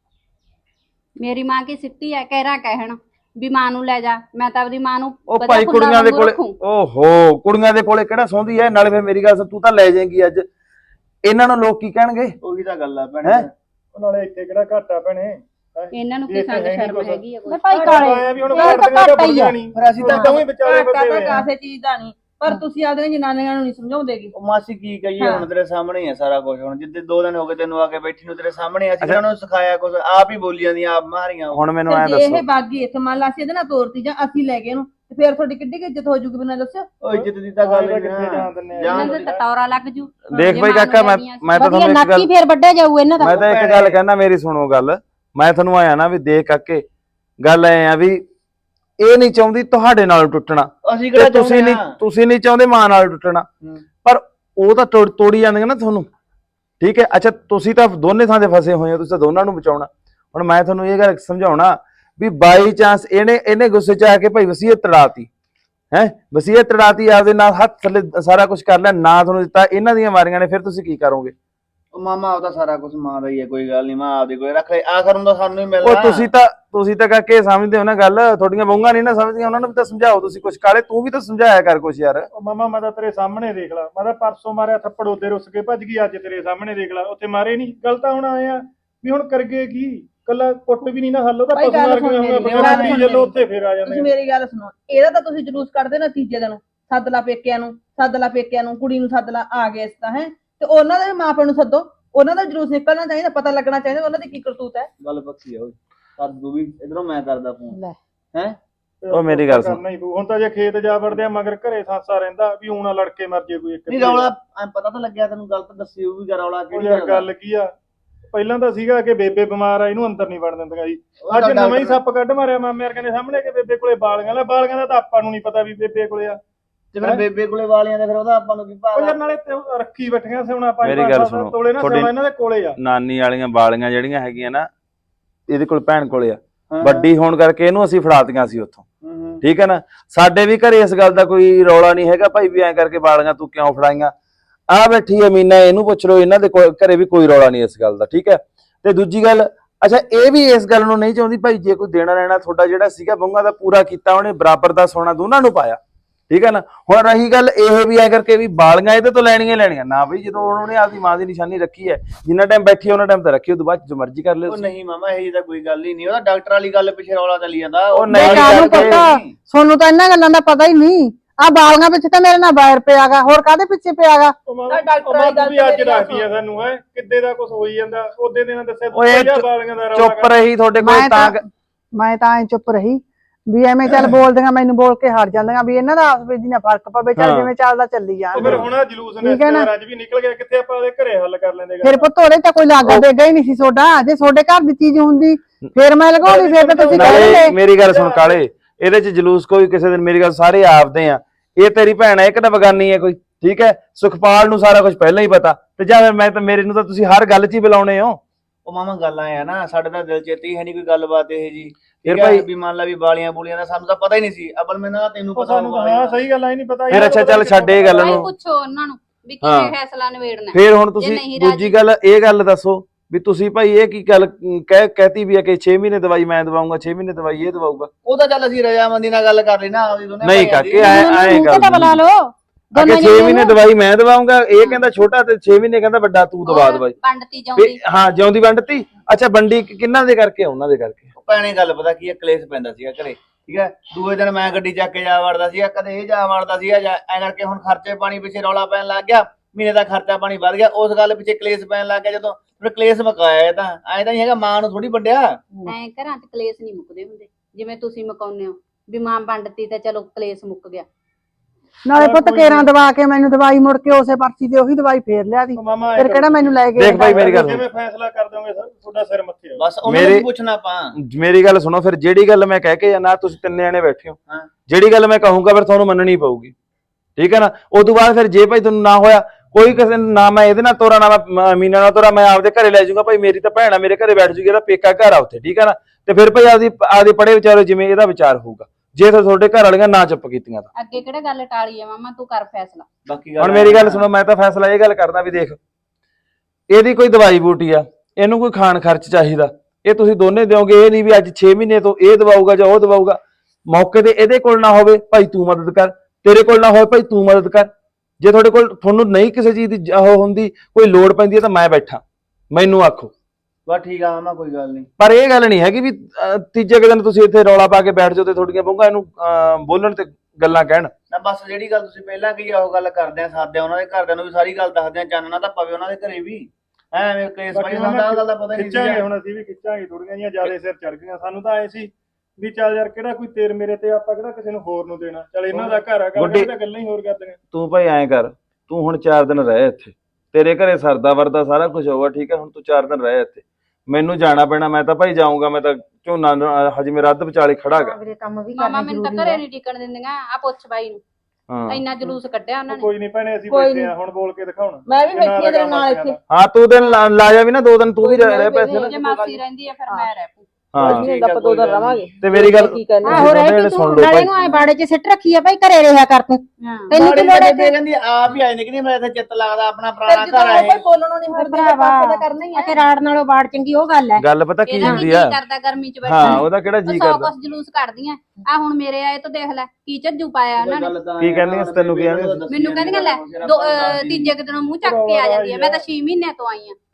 S6: ਮੇਰੀ ਮਾਂ ਕੀ ਸਿੱਟੀ ਹੈ, ਕਹਿਰਾ ਕਹਿਣ ਵੀ ਮਾਂ ਨੂੰ ਲੈ ਜਾ। ਮੈਂ ਤਾਂ ਆਪਦੀ ਮਾਂ ਨੂੰ
S4: ਉਹ
S6: ਵਧੀਆ
S4: ਭਾਈ
S6: ਫੁੱਲਾਂ
S4: ਕੁੜੀਆਂ ਦੇ
S6: ਵਾਂਗੂ
S4: ਕੋਲੇ,
S6: ਰੱਖੂੰ।
S4: ਓਹੋ ਕੁੜੀਆਂ ਦੇ ਕੋਲੇ ਕਿਹੜਾ ਸੌਂਦੀ ਐ? ਨਾਲੇ ਫਿਰ ਮੇਰੀ ਗੱਲ ਸੁਣ, ਤੂੰ ਤਾਂ ਲੈ ਜਾਏਂਗੀ ਅੱਜ, ਇਹਨਾਂ ਨੂੰ ਲੋਕ ਕੀ ਕਹਿਣਗੇ?
S8: ਉਹੀ ਤਾਂ ਗੱਲ ਆ
S4: ਹੈਂ?
S8: ਭੈਣੇ।
S3: ਉਹ ਨਾਲੇ ਇੱਥੇ ਕਿਹੜਾ ਘਾਟਾ ਭੈਣੇ।
S6: ਇਹਨਾਂ ਨੂੰ
S3: ਇਹ
S6: ਕੀ
S3: ਤਾਂ
S6: ਸੰਗ
S3: ਹੈ ਨੀ
S6: ਸ਼ਰਮ
S3: ਕੁਛ।
S6: ਹੈਗੀ ਆ ਕੋਈ?
S7: ਭਾਈ ਕਾਲੇ
S3: ਆਇਆ ਵੀ ਹੁਣ
S7: ਇਹ ਤਾਂ
S3: ਘਾਟਦੀਆਂ
S7: ਘਾਟਾ ਹੀ ਆ।
S3: ਨਹੀਂ।
S8: ਫਿਰ ਅਸੀਂ ਤਾਂ
S3: ਦੋਵੇਂ ਵਿਚਾਲੇ
S7: ਘਾਟਾ
S3: ਫਸੇ
S7: ਤਾਂ
S3: ਹੋਏ ਆ।
S7: ਕਾਸੇ ਚੀਜ਼ ਦਾ ਨਹੀਂ, ਪਰ ਤੁਸੀਂ ਆਪਦੀਆਂ ਜਨਾਨੀਆਂ ਨੂੰ ਨਹੀਂ ਸਮਝਾਉਂਦੇਗੇ।
S8: ਉਹ ਮਾਸੀ ਕੀ ਕਹੀਏ, ਹੁਣ ਤੇਰੇ ਸਾਹਮਣੇ ਹੀ ਆ ਸਾਰਾ ਕੁਝ। ਹੁਣ ਜਿੱਦੇ ਦੋ ਦਿਨ ਹੋ ਗਏ ਤੈਨੂੰ ਆ ਕੇ ਬੈਠੀ ਨੂੰ, ਤੇਰੇ ਸਾਹਮਣੇ ਅਸੀਂ
S4: ਅੱਛਾ।
S8: ਉਹਨਾਂ ਨੂੰ ਸਿਖਾਇਆ ਕੁਝ, ਆਪ ਹੀ ਬੋਲੀ ਜਾਂਦੀਆਂ, ਆਪ ਮਾਰੀਆਂ।
S4: ਹੁਣ ਮੈਨੂੰ ਐ
S7: ਤੇ ਜੇ
S4: ਦੱਸੋ,
S7: ਇਹ ਬਾਗੀ ਇੱਥੇ ਮੰਨ ਲਾ ਅਸੀਂ ਇਹਦੇ ਨਾਲ ਤੋਰਤੀ ਜਾਂ ਅਸੀਂ ਲੈ ਗਏ ਇਹਨੂੰ, ਤੇ ਫਿਰ ਤੁਹਾਡੀ ਕਿੱਡੀ ਕੁ ਇੱਜ਼ਤ ਹੋ ਜੂਗੀ ਬਿਨਾਂ ਦੱਸਿਓ?
S8: ਉਹ ਇੱਜ਼ਤ ਦੀ ਤਾਂ ਗੱਲ
S3: ਆਏਗਾ
S8: ਹੀ
S3: ਕਿੱਥੇ
S8: ਨਾ।
S3: ਜਾਣ ਦਿੰਨੇ ਆ।
S8: ਜਾਣ
S6: ਇਹਨਾਂ ਦੇ ਟਟੌਰਾ ਲੱਗ ਜੂ।
S4: ਦੇਖ
S6: ਜੇ
S4: ਭਾਈ
S6: ਮਾਂ ਨੂੰ
S4: ਕਾਕਾ, ਮੈਂ
S6: ਲੈਣੀਆਂ ਸੀ।
S4: ਮੈਂ ਤਾਂ
S1: ਵਧੀਆ
S4: ਤੁਹਾਨੂੰ ਇੱਕ
S1: ਨਾਕੀ
S4: ਗੱਲ
S1: ਫੇਰ ਵੱਡਾ ਜਾਊ ਇਹਨਾਂ ਦਾ।
S4: ਮੈਂ ਤਾਂ ਇੱਕ ਗੱਲ ਕਹਿਣਾ, ਮੇਰੀ ਸੁਣੋ ਗੱਲ। ਮੈਂ ਤੁਹਾਨੂੰ ਆਇਆ ਨਾ ਵੀ ਦੇਖ ਕਾਕੇ, ਗੱਲ ਐ ਆ ਵੀ ਇਹ ਨਹੀਂ ਚਾਹੁੰਦੀ ਤੁਹਾਡੇ ਨਾਲ ਟੁੱਟਣਾ,
S8: ਅਸੀਂ
S4: ਤੇ
S8: ਕਿਹੜਾ
S4: ਤੁਸੀਂ ਨਹੀਂ
S8: ਚਾਹੁੰਦੇ
S4: ਤੁਸੀਂ ਨਹੀਂ ਚਾਹੁੰਦੇ ਮਾਂ ਨਾਲ ਟੁੱਟਣਾ,
S8: ਹੂੰ।
S4: ਪਰ ਉਹ ਤਾਂ ਤੋੜ- ਤੋੜੀ ਜਾਂਦੀਆਂ ਨਾ ਤੁਹਾਨੂੰ, ਠੀਕ ਹੈ? ਅੱਛਾ ਤੁਸੀਂ ਤਾਂ ਦੋਨੇ ਥਾਂ ਤੇ ਫਸੇ ਹੋਏ ਹੋ, ਤੁਸੀਂ ਤਾਂ ਦੋਨਾਂ ਨੂੰ ਬਚਾਉਣਾ। ਹੁਣ ਮੈਂ ਤੁਹਾਨੂੰ ਇਹ ਗੱਲ ਸਮਝਾਉਣਾ ਵੀ ਬਾਈ ਚਾਂਸ ਇਹਨੇ ਇਹਨੇ ਗੁੱਸੇ ਚ ਆ ਕੇ ਭਾਈ ਵਸੀਅਤ ਤੜਾਤੀ, ਹੈ ਵਸੀਅਤ ਤੜਾਤੀ, ਆਪਦੇ ਨਾਲ ਹੱਥ ਥੱਲੇ ਸਾਰਾ ਕੁਝ ਕਰ ਲਿਆ, ਨਾ ਤੁਹਾਨੂੰ ਦਿੱਤਾ, ਇਹਨਾਂ ਦੀਆਂ ਮਾਰੀਆਂ ਨੇ, ਫਿਰ ਤੁਸੀਂ ਕੀ ਕਰੋਗੇ?
S8: ਉਹ ਮਾਮਾ ਉਹਦਾ ਸਾਰਾ ਕੁਝ ਮਾਂ ਦਾ ਹੀ ਹੈ, ਕੋਈ ਗੱਲ ਨਹੀਂ। ਮਾਂ ਆਪਦੀ ਕੋਈ ਰੱਖ ਲੈ, ਆਖਰ ਨੂੰ ਤਾਂ ਸਾਨੂੰ ਹੀ ਮਿਲਣਾ।
S4: ਉਹ ਤੁਸੀਂ ਤਾਂ ਤੁਸੀਂ ਤਾਂ ਕਾਕੇ ਸਮਝਦੇ ਹੋ ਨਾ ਗੱਲ, ਤੁਹਾਡੀਆਂ ਬਹੂਆਂ ਨਹੀਂ ਨਾ ਸਮਝਦੀਆਂ, ਉਹਨਾਂ ਨੂੰ ਵੀ ਤਾਂ ਸਮਝਾਓ ਤੁਸੀਂ ਕੁਝ। ਕਾਲੇ ਤੂੰ ਵੀ ਤਾਂ ਸਮਝਾਇਆ ਕਰ ਕੁਝ ਯਾਰ।
S3: ਉਹ ਮਾਮਾ ਮੈਂ ਤਾਂ ਤੇਰੇ ਸਾਹਮਣੇ ਦੇਖ ਲਾ, ਮੈਂ ਤਾਂ ਪਰਸੋਂ ਮਾਰਿਆ ਥੱਪੜ, ਉਹਦੇ ਰੁੱਸ ਕੇ ਭੱਜ ਗਈ, ਅੱਜ ਤੇਰੇ ਸਾਹਮਣੇ ਦੇਖ ਲਾ ਉੱਥੇ ਮਾਰੇ ਨਹੀਂ। ਗੱਲ ਤਾਂ ਹੁਣ ਆਏ ਆ ਵੀ ਹੁਣ ਕਰਗੇ ਕੀ? ਕੱਲਾ ਕੁੱਟ ਵੀ ਨਹੀਂ ਨਾ ਹੱਲ ਉਹਦਾ
S7: ਭਾਈ
S3: ਪਸ਼ੂ
S7: ਗੱਲ
S3: ਮਾਰ
S7: ਸੁਣ
S3: ਕੇ
S7: ਮੇਰੀ,
S3: ਬਗੈਰ
S7: ਗੱਲ
S3: ਟੀ
S7: ਸੁਣ
S3: ਚੱਲੋ
S7: ਮੇਰੀ।
S3: ਉੱਥੇ ਫੇਰ ਆ ਜਾਂਦੇ
S7: ਤੁਸੀਂ ਮੇਰੀ ਗੱਲ ਸੁਣੋ, ਇਹਦਾ ਤਾਂ ਤੁਸੀਂ ਜਲੂਸ ਕੱਢਦੇ ਨਾ ਤੀਜੇ ਦਿਨ, ਸੱਦ ਲਾ ਪੇਕਿਆਂ ਨੂੰ, ਸੱਦ ਲਾ ਪੇਕਿਆਂ ਨੂੰ, ਕੁੜੀ ਨੂੰ ਸੱਦ ਲਾ, ਆ ਗਏ ਇਸ ਤਾਂ ਹੈ, ਤੇ ਉਹਨਾਂ ਦੇ ਮਾਂ ਪਿਓ ਨੂੰ ਸੱਦੋ, ਉਹਨਾਂ ਦਾ ਜਲੂਸ ਨਿਕਲਣਾ ਚਾਹੀਦਾ, ਪਤਾ ਲੱਗਣਾ ਚਾਹੀਦਾ ਉਹਨਾਂ ਦੀ ਕੀ ਕਰਤੂਤ ਹੈ।
S8: ਗੱਲ ਪੱਕੀ ਆ ਓਏ ਸੱਦ ਦੂ ਵੀ ਇਧਰੋਂ ਮੈਂ ਕਰਦਾ ਫੋਨ
S1: ਲੈ।
S8: ਹੈ
S4: ਉਹ ਮੇਰੀ ਗੱਲ ਸੁਣ।
S3: ਕਰਨਾ ਹੀ ਪਊ। ਹੁਣ ਤਾਂ ਜੇ ਖੇਤ ਜਾ ਵੜਦੇ ਆ ਮਗਰ ਘਰੇ ਸਾਂਸਾ ਰਹਿੰਦਾ ਵੀ ਹੁਣ ਨਾ ਲੜਕੇ ਮਰ ਜੇ ਕੋਈ ਇੱਕ
S8: ਨਹੀਂ ਰੌਲਾ ਐਂ ਪਤਾ ਤਾਂ ਲੱਗਿਆ ਤੈਨੂੰ, ਗੱਲ ਤਾਂ ਦੱਸੀ ਹੋਊਗੀ ਕਿ ਰੌਲਾ
S3: ਉਹ
S8: ਕਿਹੜੀ
S3: ਯਾਰ
S8: ਗੱਲ ਦਾ?
S3: ਗੱਲ ਕੀ ਆ, ਪਹਿਲਾਂ ਤਾਂ ਸੀਗਾ ਕਿ ਬੇਬੇ ਬਿਮਾਰ ਆ ਇਹਨੂੰ ਅੰਦਰ ਨਹੀਂ ਵੜਨ ਦਿੰਦੀਆਂ ਜੀ।
S8: ਉਹ
S3: ਅੱਜ
S8: ਤਾਂ
S3: ਨਵਾਂ ਹੀ
S8: ਡਾਕਟਰ-
S3: ਸੱਪ ਕੱਢ ਮਾਰਿਆ ਮਾਮੇ ਵਰਗੇ ਦੇ ਸਾਹਮਣੇ ਕਿ ਬੇਬੇ ਕੋਲੇ ਬਾਲੀਆਂ ਲੈ, ਬਾਲੀਆਂ ਦਾ ਤਾਂ ਆਪਾਂ ਨੂੰ ਨਹੀਂ ਪਤਾ ਵੀ ਬੇਬੇ ਕੋਲੇ ਆ।
S8: ਤੇ ਫਿਰ ਬੇਬੇ ਕੋਲੇ ਵਾਲੀਆਂ ਦੇ ਫਿਰ ਉਹਦਾ ਆਪਾਂ ਨੂੰ ਕੀ
S3: ਉਹ
S8: ਭਾਵ
S3: ਯਾਰ ਨਾਲੇ ਤੇ ਉਹ ਰੱਖੀ ਬੈਠੀਆਂ ਸਿਉਣਾ ਪੰਜ
S4: ਮੇਰੀ
S3: ਪੰਜ
S4: ਗੱਲ
S3: ਸੱਤ
S4: ਸੁਣੋ,
S3: ਤੋਲੇ ਨਾ
S4: ਤੁਹਾਡੀ-
S3: ਸਿਉਣਾ ਇਹਨਾਂ ਦੇ ਕੋਲੇ ਆ।
S4: ਨਾਨੀ ਵਾਲੀਆਂ ਬਾਲੀਆਂ ਜਿਹੜੀਆਂ ਹੈਗੀਆਂ ਨਾ ਇਹਦੇ ਕੋਲ ਭੈਣ ਕੋਲੇ ਆ,
S8: ਹਾਂ।
S4: ਵੱਡੀ ਹੋਣ ਕਰਕੇ ਇਹਨੂੰ ਅਸੀਂ ਫੜਾਤੀਆਂ ਸੀ ਉੱਥੋਂ,
S8: ਹੂੰ ਹੂੰ।
S4: ਠੀਕ ਹੈ ਨਾ। ਸਾਡੇ ਵੀ ਘਰੇ ਇਸ ਗੱਲ ਦਾ ਕੋਈ ਰੌਲਾ ਨਹੀਂ ਹੈਗਾ ਭਾਈ ਵੀ ਐਂ ਕਰਕੇ ਬਾਲੀਆਂ ਤੂੰ ਕਿਉਂ ਫੜਾਈਆਂ। ਆ ਬੈਠੀ ਹੈ ਮੀਨਾ, ਇਹਨੂੰ ਪੁੱਛ ਲਓ, ਇਹਨਾਂ ਦੇ ਕੋਲ ਘਰੇ ਵੀ ਕੋਈ ਰੌਲਾ ਨਹੀਂ ਇਸ ਗੱਲ ਦਾ, ਠੀਕ ਹੈ। ਤੇ ਦੂਜੀ ਗੱਲ, ਅੱਛਾ ਇਹ ਵੀ ਇਸ ਗੱਲ ਨੂੰ ਨਹੀਂ ਚਾਹੁੰਦੀ ਭਾਈ ਜੇ ਕੋਈ ਦੇਣਾ ਲੈਣਾ ਤੁਹਾਡਾ ਜਿਹੜਾ ਸੀਗਾ ਬੰਗਾ ਦਾ ਪੂਰਾ ਕੀਤਾ, ਉਹਨੇ ਬਰਾਬਰ ਦਾ ਸੋਨਾ ਦੋਨਾਂ ਨੂੰ ਪਾਇਆ, ਠੀਕ ਹੈ ਨਾ। ਹੁਣ ਰਹੀ ਗੱਲ ਇਹ ਵੀ ਐ ਕਰਕੇ ਵੀ ਬਾਲੀਆਂ ਇਹਦੇ ਤੋਂ ਲੈਣੀਆਂ ਲੈਣੀਆਂ ਨਾ ਬਈ, ਜਦੋਂ ਉਹਨੇ ਆਪਦੀ ਮਾਂ ਦੀ ਨਿਸ਼ਾਨੀ ਰੱਖੀ ਹੈ, ਜਿੰਨਾ ਟਾਈਮ ਬੈਠੀ ਉਹਨਾਂ ਟਾਈਮ ਤਾਂ ਰੱਖੀ, ਉਹ ਤੋਂ ਬਾਅਦ ਜੋ ਮਰਜ਼ੀ ਕਰ ਲਿਓ।
S8: ਉਹ ਨਹੀਂ ਮਾਮਾ ਇਹ ਤਾਂ ਕੋਈ ਗੱਲ ਹੀ ਨਹੀਂ, ਉਹਦਾ ਡਾਕਟਰ ਵਾਲੀ ਗੱਲ ਪਿੱਛੇ ਰੌਲਾ ਚੱਲੀ ਜਾਂਦਾ।
S4: ਉਹ ਨਹੀਂ
S5: ਬੇ ਕਾਹਨੂੰ
S4: ਕਰਕੇ-
S5: ਪਤਾ, ਤੁਹਾਨੂੰ ਤਾਂ ਇਹਨਾਂ ਗੱਲਾਂ ਦਾ ਪਤਾ ਹੀ ਨਹੀਂ। ਆ ਬਾਲੀਆਂ ਪਿੱਛੇ ਤਾਂ ਮੇਰੇ ਨਾਲ ਬਾਹਰ ਪਿਆਗਾ, ਹੋਰ ਕਾਹਦੇ ਪਿੱਛੇ ਪਿਆਗਾ?
S3: ਉਹ ਮਾਂ
S7: ਤਾਂ ਡਾਕਟਰ
S3: ਉਹ ਮਾਂ
S7: ਵਾਲੀ
S3: ਤੂੰ ਵੀ ਅੱਜ
S7: ਗੱਲ
S3: ਦੱਸਦੀ ਆ ਸਾਨੂੰ ਹੈ ਕਿੱਦੇ ਦਾ ਕੁਝ ਹੋਈ ਜਾਂਦਾ, ਉਹਦੇ ਦਿਨਾਂ ਦੱਸਿਆ ਤੂੰ
S4: ਓਏ
S3: ਪਹਿਲਾਂ
S4: ਚੁ-
S3: ਬਾਲੀਆਂ ਦਾ ਰੌਲਾ
S4: ਚੁੱਪ ਰਹੀ ਤੁਹਾਡੇ ਕੋਲ
S5: ਮੈਂ
S4: ਤਾਂ
S5: ਤਾਂ ਮੈਂ ਤਾਂ ਐ ਚੁੱਪ ਰਹੀ ਵੀ ਐਵੇਂ ਚੱਲ ਬੋਲਦੀਆਂ, ਮੈਨੂੰ ਬੋਲ ਕੇ ਹਟ ਜਾਂਦੀਆਂ ਵੀ ਇਹਨਾਂ ਦਾ ਆਪਸ ਵਿੱਚ ਨਾ ਫਰਕ ਪਵੇ, ਚੱਲ
S4: ਹਾਂ।
S5: ਜਿਵੇਂ ਚੱਲਦਾ ਚੱਲੀ
S3: ਉਹ
S5: ਜਾਣ।
S3: ਫਿਰ ਹੁਣ ਆਹ ਜਲੂਸ ਨੇ
S5: ਠੀਕ ਹੈ ਨਾ।
S3: ਅੱਜ ਵੀ ਨਿਕਲ ਗਿਆ, ਕਿੱਥੇ ਆਪਾਂ ਉਹਦੇ ਘਰੇ ਹੱਲ ਕਰ ਲੈਂਦੇ
S5: ਫਿਰ ਪੁੱਤ ਉਹਦੇ ਤਾਂ ਕੋਈ ਲਾਗਾ ਦੇਗਾ ਹੀ ਨਹੀਂ ਸੀ ਤੁਹਾਡਾ, ਜੇ ਤੁਹਾਡੇ ਘਰ ਦੀ ਚੀਜ਼ ਹੁੰਦੀ ਫਿਰ ਮੈਂ ਲਗਾਉਣੀ, ਫਿਰ ਤਾਂ ਤੁਸੀਂ ਕਹਿ
S4: ਨਾਲੇ
S5: ਦਿੰਦੇ।
S4: ਮੇਰੀ ਗੱਲ ਸੁਣ ਕਾਲੇ, ਇਹਦੇ ਚ ਜਲੂਸ ਕੋਈ ਕਿਸੇ ਦਿਨ, ਮੇਰੀ ਗੱਲ ਸਾਰੇ ਆਪਦੇ ਆ। ਇਹ ਤੇਰੀ ਭੈਣ ਹੈ, ਇਹ ਕਿਹੜਾ ਬਗਾਨੀ ਹੈ ਕੋਈ, ਠੀਕ ਹੈ। ਸੁਖਪਾਲ ਨੂੰ ਸਾਰਾ ਕੁਝ ਪਹਿਲਾਂ ਹੀ ਪਤਾ, ਤੇ ਜਾਂ ਫਿਰ ਮੈਂ ਤਾਂ ਮੇਰੇ ਨੂੰ ਤਾਂ ਤੁਸੀਂ ਹਰ ਗੱਲ 'ਚ ਹੀ ਬੁਲਾਉਣੇ ਹੋ।
S8: ਉਹ ਮਾਮਾ ਗੱਲ ਆਏ ਆ ਨਾ, ਸਾਡੇ ਤਾਂ ਦਿਲ ਚੇਤੀ ਹੈ ਨਹੀਂ ਕੋਈ ਗੱਲਬਾਤ ਇਹ ਜੀ।
S4: ਫਿਰ
S8: ਫਿਰ
S4: ਭਾਈ-
S8: ਭਾਈ ਵੀ ਮੰਨ ਲਾ ਵੀ ਬਾਲੀਆਂ ਬੂਲੀਆਂ ਦਾ ਸਾਨੂੰ ਤਾਂ ਪਤਾ ਹੀ ਨਹੀਂ ਸੀ, ਅਬਲ ਮੈਨੂੰ ਤਾਂ ਤੈਨੂੰ
S3: ਉਹ
S8: ਪਤਾ
S3: ਸਾਨੂੰ ਤਾਂ ਹਾਂ ਸਹੀ ਗੱਲ ਆ, ਹੀ ਨਹੀਂ ਪਤਾ।
S4: ਫਿਰ ਅੱਛਾ ਚੱਲ ਛੱਡ ਇਹ ਗੱਲ
S6: ਭਾਈ
S4: ਨੂੰ।
S6: ਪੁੱਛੋ ਉਹਨਾਂ ਨੂੰ ਵੀ
S4: ਹਾਂ।
S6: ਕਿਵੇਂ ਫੈਸਲਾ ਨਿਬੇੜਨਾ ਹੈ।
S4: ਫਿਰ ਹੁਣ
S6: ਜੇ
S4: ਤੁਸੀਂ
S6: ਨਹੀਂ ਰਾਜੀ-
S4: ਦੂਜੀ ਗੱਲ ਇਹ ਗੱਲ ਦੱਸੋ ਵੀ ਤੁਸੀਂ ਭਾਈ ਇਹ ਕੀ ਗੱਲ ਅਮ, ਕਹਿ ਕਹਿਤੀ ਵੀ ਹੈ ਕਿ ਛੇ ਮਹੀਨੇ ਦਵਾਈ ਮੈਂ ਦਵਾਉਂਗਾ, ਛੇ ਮਹੀਨੇ ਦਵਾਈ ਇਹ ਦਵਾਊਗਾ।
S8: ਉਹ ਤਾਂ ਚੱਲ ਅਸੀਂ ਰਜਾਮੰਦੀ ਨਾਲ ਗੱਲ ਕਰ ਲਈ ਨਾ ਆਪਦੀ ਦੋਨੇ
S4: ਨਹੀਂ
S8: ਭਾਈਆਂ ਦੀ।
S4: ਕਾਕੇ ਐ ਐ ਗੱਲ
S2: ਤਾਂ ਬੁਲਾ ਲਓ
S4: ਅੱਗੇ ਛੇ ਮਹੀਨੇ ਦਵਾਈ ਮੈਂ ਦਵਾਉਂਗਾ, ਇਹ ਕਹਿੰਦਾ ਛੋਟਾ, ਤੇ ਛੇ ਮਹੀਨੇ ਕਹਿੰਦਾ ਵੱਡਾ ਤੂੰ ਦਵਾ
S6: ਹੋਰ
S4: ਦਵਾਈ।
S6: ਵੰਡਤੀ
S4: ਵੀ
S6: ਜਾਉਂਦੀ
S4: ਹਾਂ ਜਿਉਂਦੀ ਵੰਡਤੀ। ਅੱਛਾ ਵੰਡੀ ਕਿ- ਕਿਹਨਾਂ ਦੇ ਕਰਕੇ? ਉਹਨਾਂ ਦੇ ਕਰਕੇ।
S8: ਉਹ ਭੈਣੇ ਗੱਲ ਪਤਾ ਕੀ ਹੈ, ਕਲੇਸ਼ ਪੈਂਦਾ ਸੀਗਾ ਘਰੇ, ਠੀਕ ਹੈ। ਦੂਏ ਦਿਨ ਮੈਂ ਗੱਡੀ ਚੱਕ ਕੇ ਜਾ ਵੜਦਾ ਸੀਗਾ, ਕਦੇ ਇਹ ਜਾ ਵੜਦਾ ਸੀਗਾ, ਜਾਂ ਐ ਕਰਕੇ ਹੁਣ ਖਰਚੇ ਪਾਣੀ ਪਿੱਛੇ ਰੌਲਾ ਪੈਣ ਲੱਗ ਗਿਆ, ਮਹੀਨੇ ਦਾ ਖਰਚਾ ਪਾਣੀ ਵੱਧ ਗਿਆ, ਉਸ ਗੱਲ ਪਿੱਛੇ ਕਲੇਸ਼ ਪੈਣ ਲੱਗ ਗਿਆ। ਜਦੋਂ ਫਿਰ ਕਲੇਸ਼ ਮੁਕਾਇਆ ਤਾਂ ਐਂ ਤਾਂ ਨਹੀਂ ਹੈਗਾ ਮਾਂ ਨੂੰ ਥੋੜੀ ਵੱਡਿਆ।
S6: ਐ ਘਰਾਂ 'ਚ ਕਲੇਸ਼ ਨਹੀਂ ਮੁੱਕਦੇ ਹੁੰਦੇ ਜਿਵੇਂ ਤੁਸੀਂ ਮੁਕਾਉਂਦੇ ਹੋ ਵੀ ਮਾਂ ਵੰਡਤੀ ਤੇ ਚਲੋ ਕਲੇਸ਼ ਮੁੱਕ ਗਿਆ।
S5: ਨਾਲੇ ਪੁੱਤ ਕੇਰਾਂ ਦਵਾ ਕੇ ਮੈਨੂੰ ਦਵਾਈ ਮੁੜ ਕੇ ਉਸੇ ਪਰਚੀ ਤੇ ਉਹੀ ਦਵਾਈ ਫੇਰ ਲਿਆ ਦੀ,
S3: ਮਾਮਾ
S5: ਫਿਰ ਕਿਹੜਾ ਮੈਨੂੰ ਲੈ ਕੇ
S4: ਦੇਖ ਭਾਈ ਮੇਰੀ ਗੱਲ
S3: ਜਿਵੇਂ ਫੈਸਲਾ ਕਰ ਦੋਗੇ ਤੁਹਾਡਾ ਸਿਰ ਮੱਥੇ ਆ।
S8: ਬਸ ਉਹਨਾਂ
S4: ਮੇਰੇ-
S8: ਨੂੰ ਪੁੱਛਣਾ ਆਪਾਂ।
S4: ਮੇਰੀ ਗੱਲ ਸੁਣੋ, ਫਿਰ ਜਿਹੜੀ ਗੱਲ ਮੈਂ ਕਹਿ ਕੇ ਜਾਣਾ, ਤੁਸੀਂ ਤਿੰਨੇ ਜਣੇ ਬੈਠੇ ਹੋ,
S8: ਹਾਂ।
S4: ਜਿਹੜੀ ਗੱਲ ਮੈਂ ਕਹੂੰਗਾ ਫਿਰ ਤੁਹਾਨੂੰ ਮੰਨਣੀ ਪਊਗੀ, ਠੀਕ ਹੈ ਨਾ। ਉਸ ਤੋਂ ਬਾਅਦ ਫਿਰ ਜੇ ਭਾਈ ਤੁਹਾਨੂੰ ਨਾ ਹੋਇਆ, ਕੋਈ ਕਿਸੇ ਨੂੰ ਨਾ ਮੈਂ ਇਹਦੇ ਨਾਲ ਤੋਰਾ, ਨਾ ਮੈਂ ਮੀਨਾ ਨਾਲ ਤੋਰਾ, ਮੈਂ ਆਪਦੇ ਘਰੇ ਲੈ ਜਾਊਂਗਾ ਭਾਈ, ਮੇਰੀ ਤਾਂ ਭੈਣ ਆ, ਮੇਰੇ ਘਰੇ ਬੈਠ ਜੂਗੀ, ਇਹਦਾ ਪੇਕਾ ਘਰ ਆ ਉੱਥੇ, ਠੀਕ ਹੈ ਨਾ। ਤੇ ਫਿਰ ਭਾਈ ਆਪਦੀ ਆਪਦੇ ਪੜੇ ਵਿਚਾਰੋ ਜਿਵੇਂ ਇਹਦਾ ਵਿਚਾਰ ਹੋਊਗਾ, ਜੇ ਤਾਂ ਤੁਹਾਡੇ ਘਰ ਵਾਲੀਆਂ ਨਾ ਚੁੱਪ ਕੀਤੀਆਂ ਤਾਂ।
S6: ਅੱਗੇ ਕਿਹੜੇ ਗੱਲ ਟਾਲੀ ਆ ਮਾਮਾ, ਤੂੰ ਕਰ ਫੈਸਲਾ।
S8: ਬਾਕੀ
S4: ਹੁਣ ਮੇਰੀ ਗੱਲ ਸੁਣੋ, ਮੈਂ ਤਾਂ ਫੈਸਲਾ ਇਹ ਗੱਲ ਕਰਦਾ ਵੀ ਦੇਖ, ਇਹਦੀ ਕੋਈ ਦਵਾਈ ਬੂਟੀ ਆ, ਇਹਨੂੰ ਕੋਈ ਖਾਣ ਖਰਚ ਚਾਹੀਦਾ, ਇਹ ਤੁਸੀਂ ਦੋਨੇ ਦਿਓਗੇ। ਇਹ ਨਹੀਂ ਵੀ ਅੱਜ ਛੇ ਮਹੀਨੇ ਤੋਂ ਇਹ ਦਵਾਊਗਾ ਜਾਂ ਉਹ ਦਵਾਊਗਾ। ਮੌਕੇ ਤੇ ਇਹਦੇ ਕੋਲ ਨਾ ਹੋਵੇ ਭਾਈ ਤੂੰ ਮਦਦ ਕਰ, ਤੇਰੇ ਕੋਲ ਨਾ ਹੋਵੇ ਭਾਈ ਤੂੰ ਮਦਦ ਕਰ। ਜੇ ਤੁਹਾਡੇ ਕੋਲ ਤੁਹਾਨੂੰ ਨਹੀਂ ਕਿਸੇ ਚੀਜ਼ ਦੀ ਉਹ ਹੁੰਦੀ, ਕੋਈ ਲੋੜ ਪੈਂਦੀ ਹੈ ਤਾਂ ਮੈਂ ਬੈਠਾ, ਮੈਨੂੰ ਆਖੋ।
S8: ਬਸ ਠੀਕ ਆ ਮਾਮਾ, ਕੋਈ ਗੱਲ ਨਹੀਂ।
S4: ਪਰ ਇਹ ਗੱਲ ਨਹੀਂ ਹੈਗੀ ਵੀ ਅਹ, ਤੀਜੇ ਕੁ ਦਿਨ ਤੁਸੀਂ ਇੱਥੇ ਰੌਲਾ ਪਾ ਕੇ ਬੈਠ ਜਾਓ ਤੇ ਤੁਹਾਡੀਆਂ ਬੁੰਗਾ ਇਹਨੂੰ ਅਹ, ਬੋਲਣ ਤੇ ਗੱਲਾਂ ਕਹਿਣ।
S8: ਨਾ ਬਸ ਜਿਹੜੀ ਗੱਲ ਤੁਸੀਂ ਪਹਿਲਾਂ ਕਹੀ ਆ ਉਹ ਗੱਲ ਕਰਦੇ ਆ, ਸਾਦੇ ਉਹਨਾਂ ਦੇ ਘਰਦਿਆਂ ਨੂੰ ਵੀ ਸਾਰੀ ਗੱਲ ਦੱਸਦੇ ਆ, ਚਾਨਣਾ ਤਾਂ ਪਵੇ ਉਹਨਾਂ ਦੇ ਘਰੇ ਵੀ। ਐਵੇਂ ਕੇਸ ਭਾਈ ਸਾਨੂੰ ਤਾਂ ਆਹ ਗੱਲ ਦਾ ਪਤਾ ਹੀ ਨਹੀਂ
S3: ਖਿੱਚਾਂਗੇ,
S8: ਸੀ।
S3: ਹੁਣ ਅਸੀਂ ਵੀ ਖਿੱਚਾਂਗੇ, ਥੋੜੀਆਂ ਜੀਆਂ ਜ਼ਿਆਦਾ ਸਿਰ ਚੜ ਗਈਆਂ। ਸਾਨੂੰ ਤਾਂ ਐ ਸੀ ਵੀ ਚੱਲ ਯਾਰ ਕਿਹੜਾ ਕੋਈ ਤੇਰ ਮੇਰੇ ਤੇ, ਆਪਾਂ ਕਿਹੜਾ ਕਿਸੇ ਨੂੰ ਹੋਰ ਨੂੰ ਦੇਣਾ, ਚੱਲ ਇਹਨਾਂ ਦਾ ਘਰ ਆ,
S4: ਗੁੱਡੀ-
S3: ਤਾਂ ਗੱਲਾਂ ਹੀ ਹੋਰ ਕਰਦੀਆਂ।
S4: ਤੂੰ ਭਾਈ ਐਂ ਕਰ, ਤੂੰ ਹੁਣ ਚਾਰ ਦਿਨ ਰਹਿ ਇੱਥੇ, ਤੇਰੇ ਘਰੇ ਸਰਦਾ ਵਰਦਾ ਸਾਰਾ ਕੁਝ ਹੋਊਗਾ, ਠੀਕ ਹੈ। ਹੁਣ ਤੂੰ ਚਾਰ ਦਿਨ ਰਹਿ ਇੱਥੇ, ਮੈਨੂੰ ਜਾਣਾ ਪੈਣਾ, ਮੈਂ ਤਾਂ ਭਾਈ ਜਾਊਂਗਾ, ਮੈਂ ਤਾਂ ਝੋਨਾ ਹਜੇ ਮੇਰਾ ਅੱਧ ਵਿਚਾਲੇ ਖੜਾ ਗਾ।
S1: ਵੀਰੇ ਕੰਮ ਵੀ
S6: ਮਾਮਾ
S1: ਕਰਨਾ
S6: ਮੈਨੂੰ ਤਾਂ
S1: ਜ਼ਰੂਰੀ
S6: ਘਰੇ
S1: ਹੈ।
S6: ਨਹੀਂ ਟਿਕਣ ਦਿੰਦੀਆਂ। ਆ ਪੁੱਛ ਬਾਈ ਨੂੰ,
S4: ਹਾਂ
S6: ਇੰਨਾ ਜਲੂਸ ਕੱਢਿਆ ਉਹਨਾਂ ਨੇ।
S3: ਕੋਈ ਨਹੀਂ ਭੈਣੇ, ਅਸੀਂ
S7: ਕੋਈ
S3: ਬੈਠੇ ਆ, ਹੁਣ ਬੋਲ ਕੇ ਦਿਖਾਉਣਾ।
S7: ਮੈਂ ਵੀ ਬੈਠੀ ਆ ਤੇਰੇ ਨਾਲ ਇੱਥੇ।
S4: ਹਾਂ ਤੂੰ ਦਿਨ ਲਾ ਲਾ ਜਾ ਵੀ ਨਾ, ਦੋ ਦਿਨ ਤੂੰ ਵੀ ਰਹਿ ਰਹਿ ਪੈਸੇ ਨਾ।
S6: ਜੇ ਮਾਸੀ ਰਹਿੰਦੀ ਆ ਫਿਰ ਮੈਂ ਰਹਿ ਪੂ।
S4: ਹਾਂ
S7: ਅਸੀਂ ਆਪਾਂ ਦੋ ਦਿਨ ਰਵਾਂਗੇ।
S4: ਤੇ ਮੇਰੀ ਗੱਲ
S7: ਕੀ ਕਰਨਾ
S1: ਆਹੋ ਰਹਿ
S4: ਦੋਨੇ
S1: ਕੇ
S4: ਸੁਣ
S1: ਤੂੰ
S4: ਲਓ
S1: ਨਾਲੇ
S4: ਭਾਈ।
S1: ਨੂੰ ਐ ਬਾੜੇ 'ਚ ਸਿੱਟ ਰੱਖੀ ਆ ਭਾਈ, ਘਰੇ ਰਿਹਾ ਕਰ ਤੂੰ,
S6: ਹਾਂ
S1: ਤੈਨੂੰ ਕੀ ਲੋੜ ਹੈ ਇੱਥੇ?
S8: ਕਹਿੰਦੀ ਆਪ ਹੀ ਆਏ ਨੇ ਕਿ ਨਹੀਂ, ਮੈਂ ਇੱਥੇ ਚਿੱਤ ਲੱਗਦਾ, ਆਪਣਾ
S7: ਫਿਰ
S8: ਪੁਰਾਣਾ
S7: ਜਦੋਂ
S8: ਘਰ ਆ
S7: ਕੋਈ
S8: ਇਹ।
S7: ਬੋਲਣੋਂ ਨਹੀਂ ਹਟਦੇ ਤਾਂ ਪਾਸੇ ਤਾਂ ਕਰਨਾ ਹੀ
S1: ਆ
S7: ਹੈ।
S1: ਤੇ ਰਾੜ ਨਾਲੋਂ ਬਾੜ ਚੰਗੀ ਉਹ ਗੱਲ ਹੈ।
S4: ਗੱਲ ਪਤਾ ਕੀ
S6: ਇਹਦਾ
S4: ਹੁੰਦੀ
S6: ਕੀ
S4: ਆ,
S6: ਕਰਦਾ ਗਰਮੀ 'ਚ ਬੈਠਾ।
S4: ਹਾਂ ਉਹਦਾ ਕਿਹੜਾ ਜੀ
S6: ਸੌ
S4: ਕਰਦਾ।
S6: ਕੁਛ ਜਲੂਸ ਕੱਢਦੀਆਂ। ਆ ਹੁਣ ਮੇਰੇ ਆਏ ਤਾਂ ਦੇਖ ਲੈ ਕੀ ਝੱਜੂ ਪਾਇਆ ਉਹਨਾਂ ਨੇ।
S8: ਗੱਲ ਤਾਂ
S4: ਕੀ ਕਹਿੰਦੀਆਂ ਤੈਨੂੰ, ਕੀ ਕਹਿੰਦੀਆਂ?
S6: ਮੈਨੂੰ ਕਹਿੰਦੀਆਂ ਲੈ ਦੋ ਅਹ, ਤੀਜੇ ਕੁ ਦਿਨੋਂ ਮੂੰਹ ਚੱਕ ਕੇ ਆ ਜਾਂਦੀ ਆ। ਮੈਂ ਤਾਂ ਛੇ ਮਹੀਨਿਆਂ ਤੋਂ ਆਈ ਆ।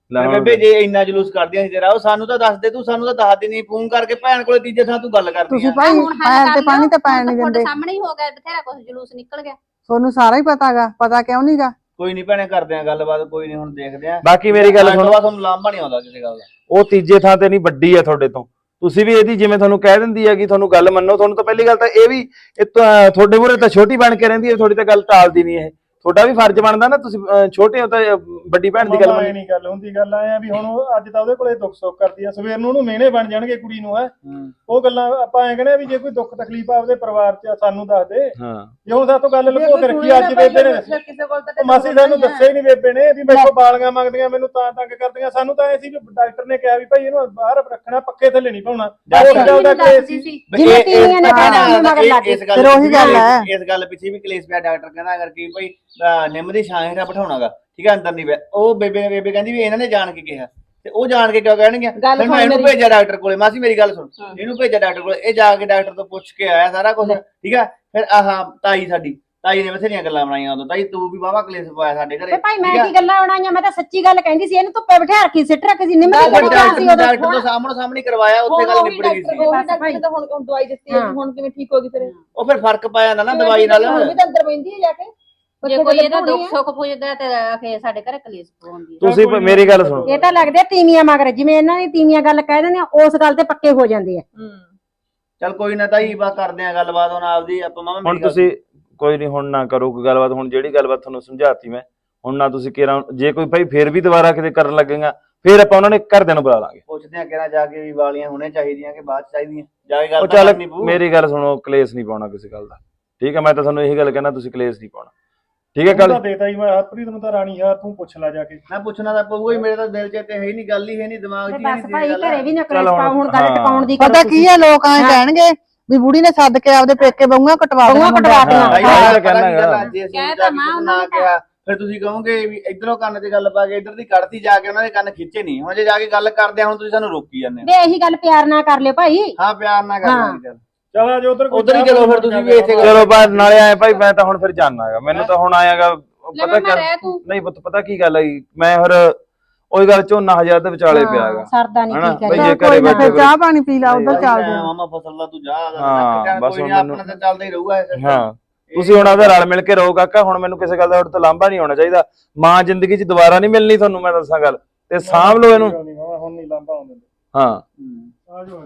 S4: ਲੈ ਹੁਣ-
S8: ਬੇਬੇ ਜੇ ਇੰਨਾ ਜਲੂਸ ਕਰਦੀਆਂ ਸੀ ਤੇਰਾ ਉਹ ਸਾਨੂੰ ਤਾਂ ਦੱਸ ਦੇ, ਤੂੰ ਸਾਨੂੰ ਤਾਂ ਦੱਸ ਦੇ ਨਹੀਂ, ਫੋਨ ਕਰਕੇ ਭੈਣ ਕੋਲੇ ਤੀਜੇ ਥਾਂ ਤੂੰ ਗੱਲ ਕਰਦੀ
S5: ਤੁਸੀਂ
S8: ਆ।
S5: ਭਾਈ
S6: ਹੁਣ ਹੱਲ
S5: ਪੈਰ
S6: ਕਰ
S5: ਤੇ ਪਾਣੀ
S6: ਲਿਓ,
S5: ਤਾਂ ਪੈਣ
S6: ਹੁਣ
S5: ਨਹੀਂ
S6: ਤੁਹਾਡੇ
S5: ਦਿੰਦੇ।
S6: ਸਾਹਮਣੇ ਹੀ ਹੋ ਗਿਆ, ਬਥੇਰਾ ਕੁਝ ਜਲੂਸ ਨਿਕਲ ਗਿਆ।
S5: ਤੁਹਾਨੂੰ ਸਾਰਾ ਹੀ ਪਤਾਗਾ, ਪਤਾ ਕਿਉਂ ਨਹੀਂਗਾ?
S8: ਕੋਈ ਨਹੀਂ ਭੈਣੇ, ਕਰਦੇ ਆ ਗੱਲਬਾਤ, ਕੋਈ ਨਹੀਂ ਹੁਣ ਦੇਖਦੇ ਆ।
S4: ਬਾਕੀ ਮੇਰੀ ਗੱਲ
S8: ਅੱਜ ਤੋਂ
S4: ਸੁਣੋ,
S8: ਬਾਅਦ ਤੁਹਾਨੂੰ ਲਾਂਭਾ ਨਹੀਂ ਆਉਂਦਾ ਕਿਸੇ ਗੱਲ ਦਾ।
S4: ਉਹ ਤੀਜੇ ਥਾਂ ਤੇ ਨਹੀਂ, ਵੱਡੀ ਆ ਤੁਹਾਡੇ ਤੋਂ। ਤੁਸੀਂ ਵੀ ਇਹਦੀ ਜਿਵੇਂ ਤੁਹਾਨੂੰ ਕਹਿ ਦਿੰਦੀ ਹੈ ਕਿ ਤੁਹਾਨੂੰ ਗੱਲ ਮੰਨੋ, ਤੁਹਾਨੂੰ ਤਾਂ ਪਹਿਲੀ ਗੱਲ ਤਾਂ ਇਹ ਵੀ ਇਹ ਤਾਂ ਤੁਹਾਡੇ ਮੂਹਰੇ ਤਾਂ ਛੋਟੀ ਬਣ ਕੇ ਰਹਿੰਦੀ ਹੈ, ਤੁਹਾਡੀ ਤਾਂ ਗੱਲ ਟਾਲਦੀ ਨਹੀਂ ਇਹ। ਤੁਹਾਡਾ ਵੀ ਫਰਜ਼ ਬਣਦਾ ਨਾ, ਤੁਸੀਂ ਅਹ, ਛੋਟੇ ਹੋ ਤਾਂ ਅਹ, ਵੱਡੀ ਭੈਣ ਦੀ ਗੱਲ
S3: ਮਾਮਾ ਇਹ
S4: ਮੰਨੋ।
S3: ਨਹੀਂ ਗੱਲ ਹੁੰਦੀ, ਗੱਲ ਆਏ ਆ ਵੀ ਹੁਣ ਉਹ ਅੱਜ ਤਾਂ ਉਹਦੇ ਕੋਲੇ ਦੁੱਖ ਸੁੱਖ ਕਰਦੀ ਆ, ਸਵੇਰ ਨੂੰ ਉਹਨੂੰ ਮਿਹਣੇ ਬਣ ਜਾਣਗੇ ਕੁੜੀ ਨੂੰ। ਹੈ ਉਹ ਗੱਲਾਂ ਆਪਾਂ ਐ ਕਹਿੰਦੇ ਆ ਵੀ ਜੇ ਕੋਈ ਦੁੱਖ ਤਕਲੀਫ ਆਪਦੇ ਪਰਿਵਾਰ 'ਚ ਆ, ਸਾਨੂੰ ਦੱਸ ਦੇ।
S4: ਹਾਂ
S3: ਜੇ ਹੁਣ ਸਾਤੋਂ ਗੱਲ ਲੁਕੋ ਕੇ ਰੱਖੀ, ਅੱਜ ਬੇਬੇ ਨੇ ਦੱਸੀ।
S7: ਕਿਸੇ ਕੋਲ ਤਾਂ
S3: ਉਹ ਮਾਸੀ ਸਾਨੂੰ ਦੱਸਿਆ ਹੀ ਨਹੀਂ ਬੇਬੇ ਨੇ ਵੀ ਮੇਰੇ ਕੋਲ ਬਾਲੀਆਂ ਮੰਗਦੀਆਂ, ਮੈਨੂੰ ਤਾਂ ਤੰਗ ਕਰਦੀਆਂ। ਸਾਨੂੰ ਤਾਂ ਐ ਸੀ ਵੀ ਡਾਕਟਰ ਨੇ ਕਿਹਾ ਵੀ ਭਾਈ ਇਹਨੂੰ ਬਾਹਰ ਰੱਖਣਾ, ਪੱਖੇ ਥੱਲੇ ਨਹੀਂ ਪਾਉਣਾ।
S8: ਡਾਕਟਰ
S3: ਉਹ ਗੱਲ ਦਾ ਕੇਸ ਸੀ।
S1: ਜਿਵੇਂ ਤੀਵੀਆਂ ਨੇ ਕਹਿਤਾ ਉਹਨੂੰ ਮਗਰ ਲੱਗ ਗਏ।
S8: ਇਸ ਗੱਲ
S5: ਫਿਰ ਉਹੀ ਗੱਲ ਹੈ।
S8: ਇਸ ਗੱਲ ਪਿੱਛੇ ਵੀ ਕਲੇਸ਼ ਪਿਆ। ਡਾਕਟਰ ਕਹਿੰਦਾ ਅਗਰ ਕੀ ਭਾਈ ਅਹ, ਨਿੰਮ ਦੀ ਛਾਂ ਹੇਠਾਂ ਬਿਠਾਉਣਾਗਾ, ਠੀਕ ਹੈ, ਅੰਦਰ ਨਹੀਂ ਪਿਆ। ਉਹ ਬੇਬੇ ਨੇ ਬੇਬੇ ਕਹਿੰਦੀ ਵੀ ਇਹਨਾਂ ਨੇ ਜਾਣ ਕੇ ਕਿਹਾ, ਤੇ ਉਹ ਜਾਣ ਕੇ ਕਿਉਂ ਕਹਿਣਗੇ? ਫਿਰ ਮੈਂ ਇਹਨੂੰ ਭੇਜਿਆ ਡਾਕਟਰ ਕੋਲੇ। ਮਾਸੀ ਮੇਰੀ ਗੱਲ ਸੁਣ, ਇਹਨੂੰ ਭੇਜਿਆ ਡਾਕਟਰ ਕੋਲੇ, ਇਹ ਜਾ ਕੇ ਡਾਕਟਰ ਤੋਂ ਪੁੱਛ ਕੇ ਆਇਆ ਸਾਰਾ ਕੁਝ, ਠੀਕ ਹੈ। ਫਿਰ ਆਹ ਤਾਈ ਸਾਡੀ ਤਾਈ ਨੇ ਬਥੇਰੀਆਂ ਗੱਲਾਂ ਬਣਾਈਆਂ ਉਦੋਂ। ਤਾਈ ਤੂੰ ਵੀ ਵਾਹਵਾ ਕਲੇਸ਼ ਪਾਇਆ ਸਾਡੇ ਘਰੇ।
S1: ਤੇ ਭਾਈ ਮੈਂ ਕੀ ਗੱਲਾਂ ਬਣਾਈਆਂ, ਮੈਂ ਤਾਂ ਸੱਚੀ ਗੱਲ ਕਹਿੰਦੀ ਸੀ। ਇਹਨੂੰ ਧੁੱਪੇ ਬਿਠਾ ਰੱਖੀ, ਸਿੱਟ ਰੱਖੀ ਸੀ, ਨਿੰਮ ਦੀ ਕਿਹੜੀ ਗੱਲ ਸੀ ਉਦੋਂ।
S8: ਡਾਕਟਰ ਤੋਂ ਸਾਹਮਣੇ ਸਾਹਮਣੇ ਕਰਵਾਇਆ, ਉੱਥੇ ਗੱਲ ਨਿਬੜ ਗਈ ਸੀ।
S7: ਉਹ ਡਾਕਟਰ ਨੇ ਤਾਂ ਹੁਣ ਹੁਣ ਦਵਾਈ ਦਿੱਤੀ ਹੈ, ਹੁਣ ਕਿਵੇਂ ਠੀਕ ਹੋ ਗਈ ਫਿਰ?
S8: ਉਹ ਫਿਰ ਫਰਕ ਪਾਇਆ ਜਾਂਦਾ ਨਾ ਦਵਾਈ ਨਾਲ।
S7: ਹੁਣ ਵੀ ਤਾਂ ਅੰਦਰ ਬੈਂਦੀ ਹੈ ਜਾ ਕੇ।
S6: ਜੇ ਕੋਈ ਇਹਦਾ ਦੁੱਖ ਸੁੱਖ ਪੁੱਛਦਾ ਤੇ ਫੇਰ ਸਾਡੇ ਘਰੇ ਕਲੇਸ਼ ਪਵਾਉਂਦੀ ਹੈ।
S4: ਤੁਸੀਂ ਪ- ਮੇਰੀ ਗੱਲ ਸੁਣੋ,
S1: ਇਹ ਤਾਂ ਲੱਗਦੇ ਆ ਤੀਵੀਆਂ ਮਗਰ, ਜਿਵੇਂ ਇਹਨਾਂ ਦੀ ਤੀਵੀਆਂ ਗੱਲ ਕਹਿ ਦਿੰਦੇ ਆ, ਉਸ ਗੱਲ ਤੇ ਪੱਕੇ ਹੋ ਜਾਂਦੇ ਆ।
S8: ਚੱਲ ਕੋਈ ਨਾ ਤਾਈ, ਬਾ ਕਰਦੇ ਆ ਗੱਲਬਾਤ ਹੁਣ ਆਪਦੀ। ਆਪਾਂ ਮਾਮਾ
S4: ਹੁਣ ਤੁਸੀਂ ਕੋਈ ਨਹੀਂ, ਹੁਣ ਨਾ ਕਰੋ ਕੋਈ ਗੱਲਬਾਤ। ਹੁਣ ਜਿਹੜੀ ਗੱਲਬਾਤ ਤੁਹਾਨੂੰ ਸਮਝਾਤੀ ਮੈਂ, ਹੁਣ ਨਾ ਤੁਸੀਂ ਕਿਹਾ, ਜੇ ਕੋਈ ਭਾਈ ਫੇਰ ਵੀ ਦੁਬਾਰਾ ਕਿਤੇ ਕਰਨ ਲੱਗੇਗਾ, ਫੇਰ ਆਪਾਂ ਉਹਨਾਂ ਨੇ ਘਰਦਿਆਂ ਨੂੰ ਬੁਲਾ ਲਾਂਗੇ।
S8: ਪੁੱਛਦੇ ਆ ਕਿਹੜਾ ਜਾ ਕੇ ਵੀ ਵਾਲੀਆਂ ਹੋਣੇ ਚਾਹੀਦੀਆਂ ਕਿ ਬਾਅਦ ਚ ਚਾਹੀਦੀਆਂ, ਜਾ ਕੇ ਗੱਲ
S4: ਉਹ
S8: ਤਾਂ
S4: ਚੱਲ
S8: ਕਰਨੀ ਪਊ।
S4: ਮੇਰੀ ਗੱਲ ਸੁਣੋ, ਕਲੇਸ਼ ਨਹੀਂ ਪਾਉਣਾ ਕਿਸੇ ਗੱਲ ਦਾ, ਠੀਕ ਹੈ। ਮੈਂ ਤਾਂ ਤੁਹਾਨੂੰ ਇਹੀ ਗੱਲ ਕਹਿਣਾ, ਤੁਸੀਂ ਕਲੇਸ਼ ਨਹੀਂ ਪਾਉਣਾ, ਠੀਕ ਹੈ। ਕੱਲ
S3: ਤਾਂ ਦੇਤਾ ਹੀ ਮੈਂ ਹਰਪ੍ਰੀਤ ਨੂੰ ਤਾਂ ਰਾਣੀ ਯਾਰ ਤੂੰ ਪੁੱਛ ਲੈ ਜਾ ਕੇ।
S8: ਮੈਂ ਪੁੱਛਣਾ ਤਾਂ ਪਊਗਾ ਹੀ, ਮੇਰੇ ਤਾਂ ਦਿਲ 'ਚ ਤੇ ਹੈ ਹੀ ਨਹੀਂ, ਗੱਲ ਹੀ ਹੈ ਨਹੀਂ, ਦਿਮਾਗ 'ਚ ਹੀ
S1: ਬਸ
S8: ਨਹੀਂ
S1: ਭਾਈ
S8: ਗੱਲ।
S1: ਘਰੇ ਵੀ ਨਾ ਕਲੇਸ਼
S4: ਚੱਲ ਹੁਣ-
S1: ਪਾਓ, ਹੁਣ ਗੱਲ
S4: ਹਾਂ।
S1: ਟਿਕਾਉਣ ਦੀ
S5: ਪਤਾ ਕੀ ਹੈ, ਲੋਕ ਐਂ ਕਹਿਣਗੇ ਵੀ ਬੁੜੀ ਨੇ ਸੱਦ ਕੇ ਆਪਦੇ ਪੇਕੇ ਬਹੂਆਂ ਕਟਵਾ
S1: ਬਹੂਆਂ ਕਟਵਾ
S5: ਦੇਣਾ।
S1: ਦੇਣਾ।
S8: ਤਾਈ
S4: ਹਾਂ,
S8: ਮੈਂ
S4: ਤਾਂ
S8: ਕਹਿਣਾ
S4: ਕਹਿਣਾ
S8: ਗੱਲ
S4: ਹੈਗਾ।
S8: ਅੱਜ ਅਸੀਂ
S6: ਕਹਿ
S8: ਜਾ
S6: ਤਾਂ
S8: ਕੇ
S6: ਮਾਂ
S8: ਕੁਛ
S6: ਉਹਨਾਂ
S8: ਨਾ
S6: ਨੂੰ
S8: ਕਿਹਾ, ਫਿਰ ਤੁਸੀਂ ਕਹੋਗੇ ਵੀ ਇਧਰੋਂ ਕੰਨ ਤੇ ਗੱਲ ਪਾ ਕੇ ਇਧਰ ਦੀ ਕੱਢਤੀ, ਜਾ ਕੇ ਉਹਨਾਂ ਦੇ ਕੰਨ ਖਿੱਚੇ ਨਹੀਂ। ਹੁਣ ਜੇ ਜਾ ਕੇ ਗੱਲ ਕਰਦੇ ਆ, ਹੁਣ ਤੁਸੀਂ ਸਾਨੂੰ ਰੋਕੀ ਜਾਂਦੇ ਹੋ।
S1: ਵੇ ਇਹੀ ਗੱਲ ਪਿਆਰ ਨਾਲ ਕਰ ਲਿਓ ਭਾਈ।
S8: ਹਾਂ ਪਿਆਰ ਨਾਲ ਕਰਨਾ ਚੱਲ।
S3: ਚਲ ਆ ਜਾ ਉਧਰ
S8: ਉੱਧਰ ਹੀ ਚਲੋ ਫਿਰ, ਤੁਸੀਂ ਵੀ ਇੱਥੇ ਕਰੋ।
S4: ਚਲੋ ਬਾਅਦ ਨਾਲੇ ਆਏ ਭਾਈ, ਮੈਂ ਤਾਂ ਹੁਣ ਫਿਰ ਜਾਣਾ ਹੈਗਾ, ਮੈਨੂੰ ਤਾਂ ਹੁਣ ਆਇਆਗਾ
S6: ਲੈ
S4: ਪਤਾ
S6: ਮੈਂ ਰਹਿ
S4: ਕਿਆ
S6: ਤੂੰ
S4: ਨਹੀਂ ਪੁੱਤ, ਪਤਾ ਕੀ ਗੱਲ ਆਈ, ਮੈਂ ਫਿਰ ਉਹੀ ਗੱਲ ਝੋਨਾ ਹਜ਼ਾਰ ਦੇ ਵਿਚਾਲੇ ਪਿਆ ਹੈਗਾ।
S1: ਸਰਦਾ ਨਹੀਂ
S4: ਹਨਾ,
S1: ਠੀਕ ਹੈ
S4: ਬਈ
S1: ਜੀ।
S4: ਜੇ
S5: ਕੋਈ
S4: ਘਰੇ
S5: ਨਾ, ਫਿਰ
S4: ਬੈਠੇ
S5: ਚਾਹ ਪਾਣੀ ਪੀ ਲਾ, ਉਧਰ ਚੱਲਦੇ ਆ।
S8: ਮਾਮਾ ਫਸਲ ਦਾ ਤੂੰ ਜਾ
S4: ਹਾਂ, ਬਸ
S8: ਕੋਈ
S4: ਹੁਣ
S8: ਨਹੀਂ,
S4: ਮੈਨੂੰ-
S8: ਆਪਣਾ ਤਾਂ ਚੱਲਦਾ ਹੀ ਰਹੂਗਾ।
S4: ਹਾਂ, ਤੁਸੀਂ ਹੁਣ ਆਪਦਾ ਰਲ ਮਿਲ ਕੇ ਰਹੋ ਕਾਕਾ। ਹੁਣ ਮੈਨੂੰ ਕਿਸੇ ਗੱਲ ਦਾ ਤੁਹਾਡੇ ਤੋਂ ਲਾਂਭਾ ਨਹੀਂ ਹੋਣਾ ਚਾਹੀਦਾ। ਮਾਂ ਜ਼ਿੰਦਗੀ 'ਚ ਦੁਬਾਰਾ ਨਹੀਂ ਮਿਲਣੀ ਤੁਹਾਨੂੰ, ਮੈਂ ਦੱਸਾਂ ਗੱਲ, ਤੇ ਸਾਂਭ ਲਓ ਇਹਨੂੰ।
S3: ਹੁਣ ਨਹੀਂ ਲਾਂਭਾ ਆਉਂਦੇ।
S4: ਹਾਂ
S3: ਆ ਜਾਓ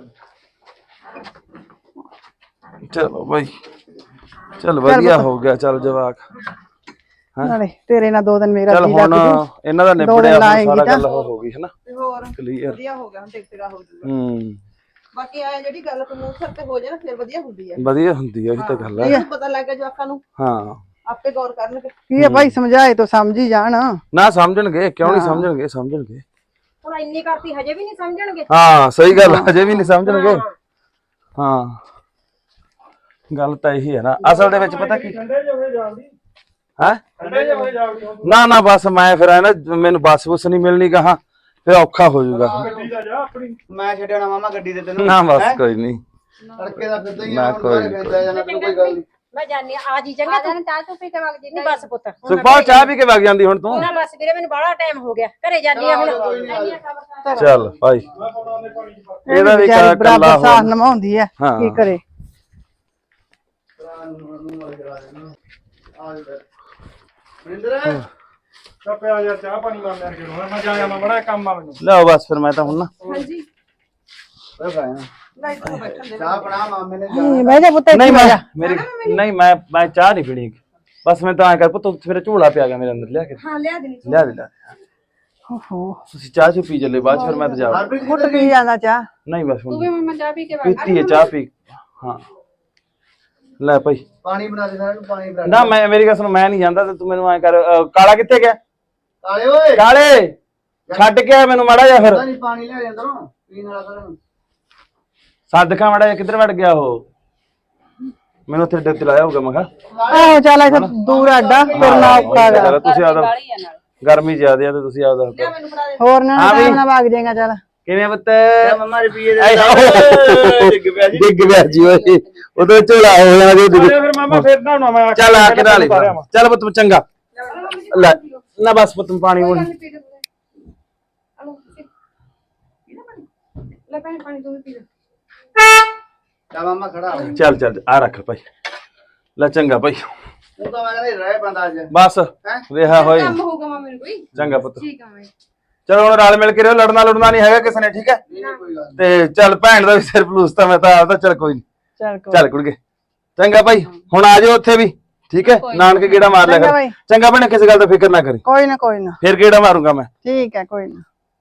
S4: ਚਲੋ ਭਾਈ, ਚਲ ਵਧੀਆ ਹੋ ਗਿਆ, ਚਲ ਜਵਾਕ।
S5: ਨਾਲੇ ਤੇਰੇ ਨਾਲ ਦੋ ਦਿਨ ਮੇਰਾ
S4: ਚਲ
S5: ਜੀ
S4: ਹੁਣ
S5: ਲੱਗ ਜੂ।
S4: ਇਹਨਾਂ ਦਾ
S5: ਦੋ
S4: ਨਿਬੜਿਆ,
S5: ਦਿਨ
S4: ਹੁਣ
S5: ਲਾਏਂਗੀ
S4: ਸਾਰਾ
S5: ਤਾਂ।
S4: ਗੱਲ ਉਹ ਹੋ ਗਈ ਹੈ ਨਾ,
S7: ਤੇ ਹੋਰ
S4: ਕਲੀਅਰ।
S7: ਵਧੀਆ ਹੋ ਗਿਆ, ਹੁਣ ਟਿਕ ਟਿਕਾ ਹੋ ਜੂਗਾ।
S4: ਹੂੰ,
S7: ਬਾਕੀ ਆ ਜਿਹੜੀ ਗੱਲ ਤੂੰ ਮੂੰਹ ਸਿਰ ਤੇ ਹੋ ਜਾਏ ਨਾ, ਫਿਰ ਵਧੀਆ ਹੁੰਦੀ ਹੈ।
S4: ਵਧੀਆ ਹੁੰਦੀ ਹੈ, ਇਹ ਤਾਂ ਗੱਲ ਹੈ।
S7: ਇਹਨੂੰ ਪਤਾ ਲੱਗ ਗਿਆ ਜਵਾਕਾਂ ਨੂੰ,
S4: ਹਾਂ,
S7: ਆਪੇ ਗੌਰ ਕਰਨਗੇ।
S5: ਕੀ ਹੈ ਭਾਈ, ਸਮਝਾਏ ਤਾਂ ਸਮਝ ਹੀ ਜਾਣ।
S4: ਨਾ ਸਮਝਣਗੇ ਕਿਉਂ ਨਹੀਂ ਸਮਝਣਗੇ, ਸਮਝਣਗੇ।
S1: ਹੁਣ ਇੰਨੀ ਕਰਤੀ ਹਜੇ ਵੀ ਨਹੀਂ ਸਮਝਣਗੇ।
S4: ਹਾਂ ਸਹੀ ਗੱਲ, ਅਜੇ ਵੀ ਨਹੀਂ ਸਮਝਣਗੇ। ਹਾਂ ਗੱਲ ਤਾਂ ਇਹੀ ਹੈ ਨਾ, ਅਸਲ ਦੇ ਵਿੱਚ ਪਤਾ ਕੀ
S3: ਠੰਡੇ ਜਿਹੇ ਹੋਏ ਜਾਵੜੀ,
S4: ਹੈ,
S3: ਠੰਡੇ ਜਿਹੇ ਹੋਏ ਜਾਵੜੀ ਹੁਣ
S4: ਨਾ ਨਾ ਬਸ ਮੈਂ ਫਿਰ ਐ ਨਾ, ਮੈਨੂੰ ਬੱਸ ਬੁੱਸ ਨਹੀਂ ਮਿਲਣੀ ਕਹਾ, ਫਿਰ ਔਖਾ ਹੋ ਜਾਊਗਾ।
S3: ਗੱਡੀ ਦਾ ਜਾ ਆਪਣੀ।
S8: ਮੈਂ ਛੱਡਣਾ ਮਾਮਾ ਗੱਡੀ ਤੇ ਤੈਨੂੰ।
S4: ਨਾ ਬਸ ਕੋਈ ਨਹੀਂ,
S8: ਤੜਕੇ ਦਾ ਫਿਰਦਾ ਹੀ
S4: ਨਾ
S8: ਆ,
S4: ਕੋਈ
S8: ਹੁਣ ਫਿਰਦਾ ਜਾਣਾ, ਤੈਨੂੰ ਕੋਈ ਗੱਲ ਨਹੀਂ।
S1: ਮੈਂ ਜਾਣੀ ਆ ਜੀ ਚੰਗਾ।
S6: ਆ ਜਾਣ ਚਾਹ ਚੁ ਪੀ ਕੇ ਵਗ ਜੀ।
S1: ਨਹੀਂ ਬਸ ਪੁੱਤ,
S4: ਸੁਖਪਾਲ ਚਾਹ ਪੀ ਕੇ ਵਗ ਜਾਂਦੀ ਹੁਣ ਤੂੰ।
S1: ਨਾ ਬਸ ਵੀਰੇ, ਮੈਨੂੰ ਬੜਾ ਟਾਈਮ ਹੋ ਗਿਆ, ਘਰੇ ਜਾਣੀ ਆ ਹੁਣ।
S4: ਚੱਲ ਭਾਈ,
S3: ਮੈਂ ਪਾਉਣਾ ਉਹਨੇ ਪਾਣੀ ਚ ਪਾ।
S4: ਇਹਦਾ ਵੀ
S5: ਵਿਚਾਰੀ
S4: ਕੱਲਾ
S5: ਬਰਾਬਰ ਸਾਥ
S4: ਹੋ।
S5: ਨਿਭਾਉਂਦੀ ਹੈ,
S4: ਹਾਂ।
S5: ਕੀ ਕਰੇ।
S3: ਚੱਲ ਪਿਆ ਯਾਰ, ਚਾਹ ਪਾਣੀ ਮਾਰ ਲੈਣ ਕੇ ਮੈਂ ਜਾਇਆ, ਮੈਂ ਬੜਾ ਕੰਮ ਆ ਮੈਨੂੰ।
S4: ਲਿਆਓ ਬਸ ਫਿਰ, ਮੈਂ ਤਾਂ ਹੁਣ ਨਾ
S7: ਹਾਂਜੀ
S8: ਓਏ ਭਾਈ
S7: ਨਹੀਂ ਤੂੰ ਬੈਠਣ ਦੇ।
S8: ਚਾਹ ਬਣਾ, ਮਾਮੇ ਨੇ
S5: ਹੂੰ, ਬਹਿ ਜਾ ਪੁੱਤ, ਇੱਥੇ
S4: ਨਹੀਂ
S5: ਬਹਿ
S4: ਮੈਂ
S5: ਜਾ।
S4: ਮੇਰੀ ਨਹੀਂ ਮੈਂ ਮੈਂ ਚਾਹ ਨਹੀਂ ਪੀਣੀ, ਬਸ ਮੈਂ ਤਾਂ ਐ ਕਰ ਪੁੱਤ, ਫਿਰ ਝੋਲਾ ਪਿਆ ਗਿਆ ਮੇਰੇ ਅੰਦਰ, ਲਿਆ ਕੇ
S7: ਹਾਂ ਲਿਆ ਦੇਣੀ।
S4: ਲਿਆ ਦੇ ਲਿਆ ਦੇ।
S5: ਓਹੋ,
S4: ਤੁਸੀਂ ਚਾਹ ਚੁ ਪੀ ਚੱਲੇ, ਬਾਅਦ 'ਚ ਫਿਰ ਮੈਂ ਤਾਂ ਜਾਵਾਂ।
S5: ਘੁੱਟ ਕੀ ਜਾਂਦਾ ਚਾਹ।
S4: ਨਹੀਂ ਬਸ
S6: ਤੂੰ ਵੀ
S4: ਹੁਣ
S6: ਮੰਮਾ ਚਾਹ ਪੀ ਕੇ ਵਗ
S4: ਪੀਤੀ ਹੈ ਚਾਹ ਪੀ। ਹਾਂ ਲੈ ਭਾਈ,
S8: ਪਾਣੀ ਬਣਾ ਦੇ ਸਾਰਿਆਂ ਨੂੰ, ਪਾਣੀ ਬਣਾ
S4: ਨਾ ਮੈਂ ਮੇਰੀ ਗੱਲ ਸੁਣ, ਮੈਂ ਨਹੀਂ ਜਾਂਦਾ ਤੇ ਤੂੰ ਮੈਨੂੰ ਐ ਕਰ, ਅ, ਕਾਲਾ ਕਿੱਥੇ ਗਿਆ?
S8: ਕਾਲੇ ਓਏ,
S4: ਕਾਲੇ ਛੱਡ ਕੇ ਆ ਮੈਨੂੰ ਮਾੜਾ ਜਿਹਾ, ਫਿਰ
S8: ਨਹੀਂ ਪਾਣੀ ਲੈ ਅੰਦਰੋਂ ਪੀਣ ਵਾਲਾ ਸਾਰਿਆਂ ਨੂੰ।
S4: ਸਦਕਾ ਮਾੜਾ ਜਿਹਾ, ਕਿੱਧਰ ਵੜ ਗਿਆ ਉਹ? ਮੈਨੂੰ ਉੱਥੇ ਡੱਤੇ ਲਾਇਆ ਹੋਊਗਾ, ਮੈਂ ਕਿਹਾ
S5: ਆਹੋ ਚੱਲ, ਇੱਥੇ ਦੂਰ ਆਡਾ ਤੁਰਨਾ ਔਖਾ ਗਾ।
S4: ਚੱਲ ਤੁਸੀਂ ਆਦਾ,
S6: ਵਾਲੀ ਆ ਨਾਲ।
S4: ਗਰਮੀ ਜ਼ਿਆਦੇ ਆ ਤੇ ਤੁਸੀਂ ਆਦਾ
S7: ਮੈਨੂੰ ਫੜਾ ਦੇ।
S5: ਹੋਰ ਨਾ
S4: ਹਾਂ ਵੀ।
S5: ਟਾਈਮ ਨਾਲ ਵਗ ਜਾਏਗਾ। ਚੱਲ
S4: ਕਿਵੇਂ ਪੁੱਤ?
S8: ਮੰਮਾ ਰੁਪਈਏ ਦੇ
S4: ਆਏ
S8: ਡਿੱਗ ਪਿਆ ਜੀ।
S4: ਡਿੱਗ ਪਿਆ ਜੀ ਓਏ, ਉਦੋਂ ਝੋਲਾ ਹੋ ਜਾਣਾ ਜੀ।
S3: ਅਰੇ ਫਿਰ ਮਾਮਾ ਫੇਰ ਨਹਾਉਣਾ ਮੈਂ।
S4: ਚੱਲ ਆ ਕੇ ਨਾਲ ਚੱਲ ਪੁੱਤ ਚੰਗਾ, ਲੈ ਨਾ ਬਸ ਪੁੱਤ ਪਾਣੀ ਹੁਣ
S6: ਲੈ ਭੈਣ ਪਾਣੀ ਤੂੰ ਵੀ ਪੀ ਲੈ
S8: ਜਾ ਮਾਮਾ ਖੜਾ ਹੋ
S4: ਚੱਲ ਚੱਲ ਆ ਰੱਖ ਭਾਈ ਲੈ ਚੰਗਾ ਭਾਈ
S8: ਤੂੰ ਤਾਂ ਮੈਂ ਕਹਿੰਦਾ ਰਹਿ ਬੰਦਾ ਅੱਜ
S4: ਬਸ ਰਿਹਾ ਹੋਈ
S6: ਕੰਮ ਹੋਊਗਾ ਮਾਂ ਮੈਨੂੰ ਕੋਈ
S4: ਚੰਗਾ ਪੁੱਤ
S6: ਠੀਕ ਆ ਮੈਂ
S4: ਚਲੋ ਹੁਣ ਰਲ ਮਿਲ ਕੇ ਰਹੋ ਲੜਨਾ ਲੜਨਾ ਨਹੀਂ ਹੈਗਾ ਕਿਸੇ ਨੇ ਠੀਕ ਹੈ
S8: ਨਹੀਂ ਨਹੀਂ ਕੋਈ ਗੱਲ ਨੀ।
S4: ਤੇ ਚੱਲ ਭੈਣ ਦਾ ਵੀ ਸਿਰ ਪਲੂਸਤਾ ਮੈਂ ਤਾਂ ਆਪਦਾ ਚੱਲ ਕੋਈ ਨਹੀਂ
S5: ਚੱਲ ਕੋਈ
S4: ਚੱਲ ਕੁੜਗੇ ਚੰਗਾ ਭਾਈ ਹੁਣ ਆ ਜਾਓ ਉੱਥੇ ਵੀ ਠੀਕ ਹੈ ਨਾਨਕੇ ਗੇੜਾ ਮਾਰ ਲਿਆ
S5: ਚੰਗਾ
S4: ਕਰ
S5: ਬਾਈ।
S4: ਚੰਗਾ ਭੈਣੇ ਕਿਸੇ ਗੱਲ ਦਾ ਫਿਕਰ ਨਾ ਕਰੀ
S5: ਕੋਈ ਨਾ ਕੋਈ ਨਾ
S4: ਫਿਰ ਗੇੜਾ ਮਾਰੂੰਗਾ ਮੈਂ
S5: ਠੀਕ ਹੈ ਕੋਈ ਨਾ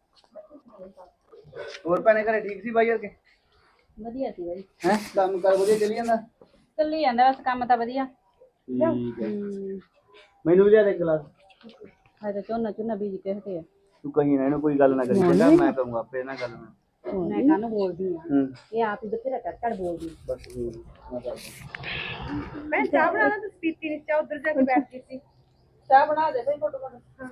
S8: ਹੋਰ ਭੈਣੇ ਘਰੇ ਠੀਕ ਸੀ ਬਾਈ ਯਾਰ ਕੇ
S6: ਵਧੀਆ ਸੀ ਬਾਈ
S8: ਹੈ ਕੰਮ ਕਰ ਵਧੀਆ ਚੱਲੀ ਜਾਂਦਾ
S6: ਚੱਲੀ ਜਾਂਦਾ ਬਸ ਕੰਮ ਤਾਂ ਵਧੀਆ
S8: ਠੀਕ ਹੈ ਮੈਨੂੰ ਵੀ ਲਿਆ ਦੇ ਗਲਾਸ
S6: ਹਾਏ ਤਾਂ ਝੋਨਾ ਝੋਨਾ ਬੀਜ ਕੇ ਹਟੇ ਆ
S8: ਤੂੰ ਕਹੀਂ ਨਾ ਇਹਨੂੰ ਕੋਈ ਗੱਲ ਨਾ ਕਰੀ ਚੰਗਾ ਮੈਂ ਕਰੂੰਗਾ ਆਪੇ ਇਹਨਾਂ ਗੱਲ ਨਾਲ
S6: ਮੈਂ ਕਾਹਨੂੰ ਬੋਲਦੀ ਆ
S8: ਹੂੰ
S6: ਇਹ ਆਪ ਹੀ ਬਥੇਰਾ ਚੜ ਚੜ ਬੋਲਦੀ
S8: ਬਸ ਮੈਂ ਕਰਦਾ
S7: ਮੈਂ ਚਾਹ ਬਣਾਣਾ ਤੇ ਪੀਤੀ ਨਹੀਂ ਚਾਹ ਉਧਰ ਜਾ ਕੇ ਬੈਠ ਗਈ ਸੀ ਚਾਹ ਬਣਾ ਦੇ ਸਹੀ ਫੋਟੋ